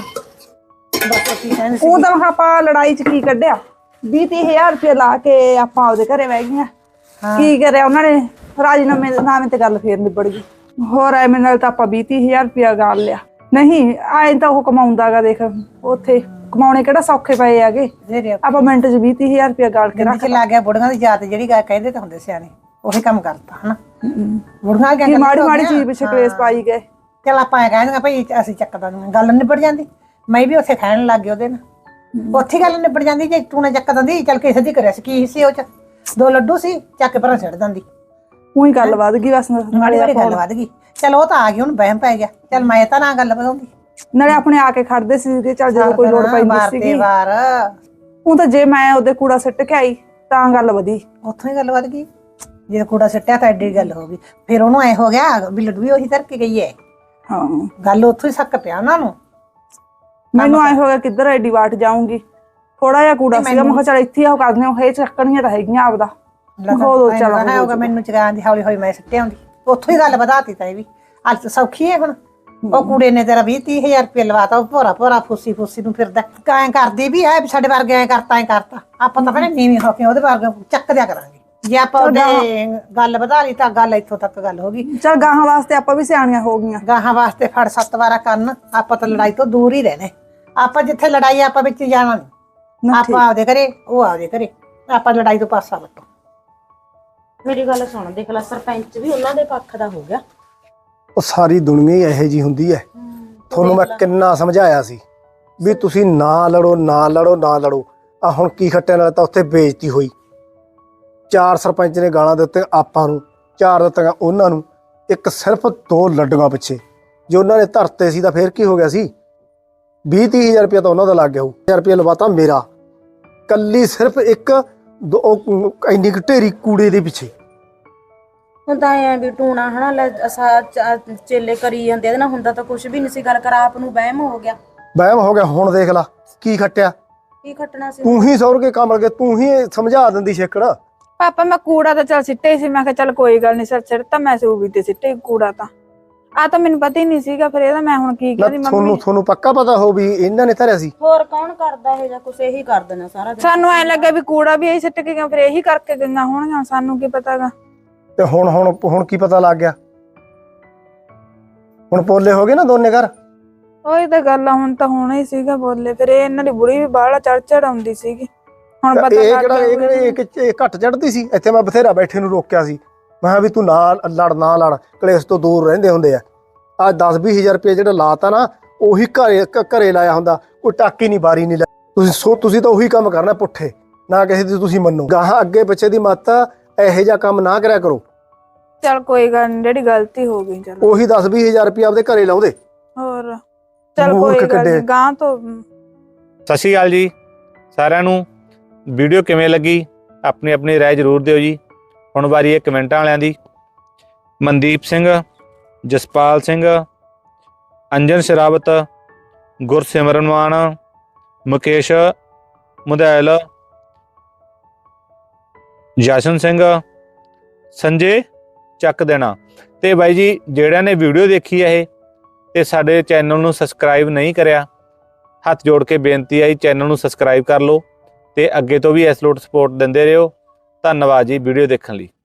Speaker 1: ਦੱਸ ਕੀ ਕਹਿੰਦੀ ਸੀ?
Speaker 2: ਉਹ ਤਾਂ ਮੈਂ ਆਪਾਂ ਲੜਾਈ ਚ ਕੀ ਕੱਢਿਆ, 20-30 ਰੁਪਏ ਲਾ ਕੇ ਆਪਾਂ ਆਪਦੇ ਘਰੇ ਬਹਿ ਗਈਆਂ। ਕੀ ਕਰਿਆ ਉਹਨਾਂ ਨੇ, ਰਾਜੀਨਾਮੇ ਤੇ ਗੱਲ ਫੇਰ ਨਿਬੜ ਗਈ। ਹੋਰ ਐਵੇਂ ਨਾਲ ਤਾਂ ਆਪਾਂ 20-30 ਰੁਪਇਆ ਗਾਲ ਲਿਆ। ਨਹੀਂ ਐਂ ਤਾਂ ਉਹ ਕਮਾਉਂਦਾਗਾ, ਦੇਖ ਉੱਥੇ ਕਮਾਉਣੇ ਕਿਹੜਾ ਸੌਖੇ ਪਏ ਹੈਗੇ। ਆਪਾਂ ਮਿੰਟ 'ਚ 20-30 ਰੁਪਇਆ ਗਾਲ ਕੇ ਰੱਖ
Speaker 1: ਲੱਗ ਗਿਆ। ਬੁੜੀਆਂ ਦੀ ਜਾਤ ਜਿਹੜੀ ਗੱਲ ਕਹਿੰਦੇ ਤਾਂ ਹੁੰਦੇ ਸਿਆਣੇ, ਉਹੀ ਕੰਮ ਕਰਤਾ ਹਨਾ। ਬੁੜੀਆਂ
Speaker 2: ਕੀ ਮਾੜੀ ਚੀਜ਼ ਪਿੱਛੇ ਕਲੇਸ਼ ਪਾਈ ਗਏ।
Speaker 1: ਚਲ ਆਪਾਂ ਐ ਕਹਿੰਦੇ ਭਾਈ ਅਸੀਂ ਚੱਕ ਦਾਂਗੇ, ਗੱਲ ਨਿਬੜ ਜਾਂਦੀ। ਮੈਂ ਵੀ ਉੱਥੇ ਖਾਣ ਲੱਗ ਗਈ ਉਹਦੇ ਨਾਲ, ਉੱਥੇ ਗੱਲ ਨਿਬੜ ਜਾਂਦੀ। ਜੇ ਤੂੰ ਨਾ ਚੱਕ ਦਿੰਦੀ, ਚੱਲ ਕਿਸੇ ਦੀ ਕਰਿਆ ਸੀ, ਕੀ ਸੀ ਉਹ ਚ 2 ਲੱਡੂ ਸੀ, ਚੱਕ ਕੇ ਪਰਾਂ ਛੱਡ ਦਿੰਦੀ।
Speaker 2: ਉਹੀ ਗੱਲ ਵੱਧ ਗਈ ਬਸ,
Speaker 1: ਮਾੜੀ ਵਾਲੀ ਗੱਲ ਵੱਧ ਗਈ। ਚਲ ਉਹ ਤਾਂ ਆ ਗਈ, ਹੁਣ ਵਹਿਮ ਪੈ ਗਿਆ। ਚਲ ਮੈਂ ਤਾਂ ਨਾ ਗੱਲ ਵਧਾਉਂਦੀ।
Speaker 2: ਨਾਲੇ ਆਪਣੇ ਆ ਕੇ ਖੜਦੇ ਸੀ, ਚੱਲ ਜਦੋਂ ਕੋਈ ਲੋੜ ਪੈਂਦੀ ਸੀਗੀ।
Speaker 1: ਵਾਰ
Speaker 2: ਉਹ ਤਾਂ ਜੇ ਮੈਂ ਉਹਦੇ ਕੂੜਾ ਸਿੱਟ ਕੇ ਆਈ ਤਾਂ ਗੱਲ ਵਧੀ,
Speaker 1: ਉੱਥੋਂ ਹੀ ਗੱਲ ਵੱਧ ਗਈ। ਜੇ ਕੂੜਾ ਸਿੱਟਿਆ ਤਾਂ ਐਡੀ ਗੱਲ ਹੋ ਗਈ। ਫਿਰ ਉਹਨੂੰ ਐ ਹੋ ਗਿਆ ਵੀ ਲੱਡੂ ਵੀ ਉਹੀ ਧਰ ਕੇ ਗਈ ਹੈ।
Speaker 2: ਹਾਂ
Speaker 1: ਗੱਲ ਉੱਥੋਂ ਹੀ ਸੱਕ ਪਿਆ ਉਹਨਾਂ ਨੂੰ।
Speaker 2: ਮੈਨੂੰ ਐ ਹੋ ਗਿਆ ਕਿੱਧਰ ਐਡੀ ਵਾਟ ਜਾਊਂਗੀ। ਥੋੜਾ ਜਿਹਾ ਕੂੜਾ ਸੀਗਾ, ਮੈਂ ਕਿਹਾ ਚੱਲ ਇੱਥੇ ਉਹ ਕਰਦੇ ਹੋ, ਇਹ ਚੱਕਣੀਆਂ ਤਾਂ ਹੈਗੀਆਂ ਆਪਦਾ।
Speaker 1: ਹੋਗਾ ਮੈਨੂੰ ਚਗਾਉਣ ਦੀ, ਹੌਲੀ ਹੌਲੀ ਮੈਂ ਸਿੱਟੇ ਆਉਂਦੀ। ਉੱਥੋਂ ਹੀ ਗੱਲ ਵਧਾਤੀ ਤਾਂ ਇਹ ਵੀ। ਅੱਜ ਸੌਖੀ ਹੈ ਹੁਣ। ਉਹ ਕੁੜੇ ਨੇ ਤੇਰਾ 20-30 ਰੁਪਏ ਲਵਾਤਾ, ਉਹ ਭੋਰਾ ਫੁੱਸੀ ਨੂੰ ਫਿਰਦਾ। ਐਂ ਕਰਦੀ ਵੀ ਹੈ, ਸਾਡੇ ਵਰਗੇ ਐਂ ਕਰਤਾ। ਆਪਾਂ ਤਾਂ ਭੈਣੇ ਨੀਵੀਂ ਹੋ ਕੇ ਉਹਦੇ ਵਰਗੇ ਚੱਕ ਦਿਆ ਕਰਾਂਗੇ। ਜੇ ਆਪਾਂ ਉਹਦੇ ਗੱਲ ਵਧਾ ਲਈ ਤਾਂ ਗੱਲ ਇੱਥੋਂ ਤੱਕ ਗੱਲ ਹੋ ਗਈ।
Speaker 2: ਚੱਲ ਗਾਹਾਂ ਵਾਸਤੇ ਆਪਾਂ ਵੀ ਸਿਆਣੀਆਂ ਹੋ ਗਈਆਂ।
Speaker 1: ਗਾਹਾਂ ਵਾਸਤੇ ਫੜ 7 ਵਾਰਾ ਕੰਨ। ਆਪਾਂ ਤਾਂ ਲੜਾਈ ਤੋਂ ਦੂਰ ਹੀ ਰਹਿਣੇ। ਆਪਾਂ ਜਿੱਥੇ ਲੜਾਈ ਆਪਾਂ ਵਿੱਚ ਜਾਣਾ ਨਹੀਂ। ਆਪਾਂ ਆਪਦੇ ਘਰੇ, ਉਹ ਆਪਦੇ ਘਰੇ। ਆਪਾਂ ਲੜਾਈ ਤੋਂ ਪਾਸਾ ਵੱਟੋ।
Speaker 2: ਮੇਰੀ ਗੱਲ ਸੁਣ, ਦੇਖ ਲੈ ਸਰਪੰਚ ਵੀ ਉਹਨਾਂ ਦੇ ਪੱਖ ਦਾ ਹੋ ਗਿਆ।
Speaker 5: ਉਹ ਸਾਰੀ ਦੁਨੀਆ ਹੀ ਇਹੋ ਜਿਹੀ ਹੁੰਦੀ ਹੈ। ਤੁਹਾਨੂੰ ਮੈਂ ਕਿੰਨਾ ਸਮਝਾਇਆ ਸੀ ਵੀ ਤੁਸੀਂ ਨਾ ਲੜੋ। ਆ ਹੁਣ ਕੀ ਖੱਟਿਆ, ਨਾਲ ਤਾਂ ਉੱਥੇ ਬੇਇੱਜ਼ਤੀ ਹੋਈ। 4 ਸਰਪੰਚ ਨੇ ਗਾਲਾਂ ਦਿੱਤੇ ਆਪਾਂ ਨੂੰ, 4 ਦਿੱਤੀਆਂ ਉਹਨਾਂ ਨੂੰ, ਇੱਕ ਸਿਰਫ 2 ਲੱਡੂਆਂ ਪਿੱਛੇ। ਜੇ ਉਹਨਾਂ ਨੇ ਧਰਤੇ ਸੀ ਤਾਂ ਫੇਰ ਕੀ ਹੋ ਗਿਆ ਸੀ? 20-30 ਰੁਪਇਆ ਤਾਂ ਉਹਨਾਂ ਦਾ ਲੱਗ ਗਿਆ। 1000 ਰੁਪਇਆ ਲਵਾਤਾ ਮੇਰਾ, ਕੱਲੀ ਸਿਰਫ ਇੱਕ ਇੰਨੀ ਕੁ ਢੇਰੀ ਕੂੜੇ ਦੇ ਪਿੱਛੇ।
Speaker 2: ਹੁੰਦਾ ਐ ਵੀ ਟੂਣਾ ਹਨਾ ਚੇਲੇ ਕਰੀ ਜਾਂਦੇ, ਇਹਦੇ ਨਾਲ ਹੁੰਦਾ ਤਾਂ ਕੁਝ ਵੀ ਨਹੀਂ ਸੀ। ਗੱਲ ਕਰ, ਆਪ ਨੂੰ ਵਹਿਮ ਹੋ ਗਿਆ।
Speaker 5: ਹੁਣ ਦੇਖ ਲਾ ਕੀ ਖੱਟਿਆ।
Speaker 2: ਕੀ ਖੱਟਣਾ ਸੀ?
Speaker 5: ਤੂੰ ਹੀ ਸੌਰ ਕੇ ਕਮਲ ਕੇ, ਤੂੰ ਹੀ ਸਮਝਾ ਦਿੰਦੀ ਛੇਕੜ।
Speaker 4: ਪਾਪਾ ਮੈਂ ਕੂੜਾ ਤਾਂ ਚੱਲ ਸਿੱਟੇ ਸੀ, ਮੈਂ ਕਿਹਾ ਚੱਲ ਕੋਈ ਗੱਲ ਨਹੀਂ, ਸਿਰ ਤਾਂ ਮੈਂ ਸੂਬੀ ਤੇ ਸਿੱਟੇ ਕੂੜਾ ਤਾਂ। ਆ ਤਾਂ ਮੈਨੂੰ ਪਤਾ ਹੀ ਨਹੀਂ ਸੀਗਾ, ਫਿਰ ਇਹਦਾ ਮੈਂ ਹੁਣ ਕੀ ਕਰੀ।
Speaker 5: ਤੁਹਾਨੂੰ ਪੱਕਾ ਪਤਾ ਹੋ ਵੀ ਇਹਨਾਂ ਨੇ ਧਰਿਆ ਸੀ?
Speaker 2: ਹੋਰ ਕੌਣ ਕਰਦਾ ਇਹ ਜਾਂ ਕੁਛ ਇਹੀ ਕਰ ਦੇਣਾ ਸਾਰਾ ਦਿਨ।
Speaker 4: ਸਾਨੂੰ ਐ ਲੱਗਾ ਵੀ ਕੂੜਾ ਵੀ ਇਹੀ ਸਿੱਟ ਕੇ ਗਿਆ, ਫਿਰ ਇਹੀ ਕਰਕੇ ਗਈਆਂ ਹੋਣਗੀਆਂ, ਸਾਨੂੰ ਕੀ ਪਤਾਗਾ।
Speaker 5: ਤੇ ਹੁਣ ਕੀ ਪਤਾ ਲੱਗ ਗਿਆ? ਹੁਣ ਪੋਲੇ ਹੋ ਗਏ ਨਾ ਦੋਨੇ ਘਰ।
Speaker 4: ਉਹੀ ਤਾਂ ਗੱਲ ਆ, ਹੁਣ ਤਾਂ ਹੋਣਾ ਹੀ ਸੀਗਾ ਬੋਲੇ। ਫਿਰ ਇਹ ਇਹਨਾਂ ਦੀ ਬੁੜੀ ਵੀ ਬਾਹਲਾ ਚੜ ਆਉਂਦੀ ਸੀਗੀ। ਹੁਣ ਪਤਾ
Speaker 5: ਇਹ ਘੱਟ ਚੜਦੀ ਸੀ। ਇੱਥੇ ਮੈਂ ਬਥੇਰਾ ਬੈਠੇ ਨੂੰ ਰੋਕਿਆ ਸੀ, ਮੈਂ ਕਿਹਾ ਵੀ ਤੂੰ ਨਾ ਲੜ, ਕਲੇਸ਼ ਤੋਂ ਦੂਰ ਰਹਿੰਦੇ ਹੁੰਦੇ ਆ। ਆ 10-20 ਹਜ਼ਾਰ ਰੁਪਏ ਜਿਹੜਾ ਲਾਤਾ ਨਾ, ਉਹੀ ਘਰੇ ਲਾਇਆ ਹੁੰਦਾ, ਕੋਈ ਟਾਕੀ ਨਹੀਂ ਬਾਰੀ ਨਹੀਂ ਲਾਈ। ਤੁਸੀਂ ਤਾਂ ਉਹੀ ਕੰਮ ਕਰਨਾ ਪੁੱਠੇ, ਨਾ ਕਿਸੇ ਦੀ ਤੁਸੀਂ ਮੰਨੋ। ਗਾਹਾਂ ਅੱਗੇ ਪਿੱਛੇ ਦੀ ਮੱਤ ਇਹੋ ਜਿਹਾ ਕੰਮ ਨਾ ਕਰਿਆ ਕਰੋ।
Speaker 4: ਚੱਲ ਕੋਈ ਗੱਲ ਨੀ, ਜਿਹੜੀ ਗਲਤੀ ਹੋ ਗਈ। ਚਲ
Speaker 5: ਉਹੀ 10-20 ਹਜ਼ਾਰ ਰੁਪਏ ਆਪਦੇ ਘਰੇ ਲਾਉਂਦੇ।
Speaker 4: ਹੋਰ ਚੱਲ ਕੋਈ ਗੱਲ ਨੀ, ਗਾਂ ਤੋਂ।
Speaker 6: ਸਤਿ ਸ਼੍ਰੀ ਅਕਾਲ ਜੀ ਸਾਰਿਆਂ ਨੂੰ। ਵੀਡੀਓ ਕਿਵੇਂ ਲੱਗੀ ਆਪਣੀ ਰਾਏ ਜ਼ਰੂਰ ਦਿਓ ਜੀ। ਹੁਣ ਵਾਰੀ ਹੈ ਕਮੈਂਟਾਂ ਵਾਲਿਆਂ ਦੀ। ਮਨਦੀਪ ਸਿੰਘ, ਜਸਪਾਲ ਸਿੰਘ, ਅੰਜਨ ਸ਼ਰਾਵਤ, ਗੁਰਸਿਮਰਨ ਮਾਨ, ਮੁਕੇਸ਼ ਮੁਦੈਲ, ਜਸ਼ਨ ਸਿੰਘ, ਸੰਜੇ ਚੱਕ ਦੇਣਾ। ਤੇ ਬਾਈ ਜੀ ਜਿਹੜਿਆਂ ਨੇ ਵੀਡੀਓ ਦੇਖੀ ਹੈ ਇਹ ਤੇ ਸਾਡੇ ਚੈਨਲ ਨੂੰ ਸਬਸਕ੍ਰਾਈਬ ਨਹੀਂ ਕਰਿਆ, ਹੱਥ ਜੋੜ ਕੇ ਬੇਨਤੀ ਹੈ ਚੈਨਲ ਨੂੰ ਸਬਸਕ੍ਰਾਈਬ ਕਰ ਲਓ ਤੇ ਅੱਗੇ ਤੋਂ ਵੀ ਇਸ ਲੋਟ ਸਪੋਰਟ ਦਿੰਦੇ ਰਹੋ। ਧੰਨਵਾਦ ਜੀ ਵੀਡੀਓ ਦੇਖਣ ਲਈ।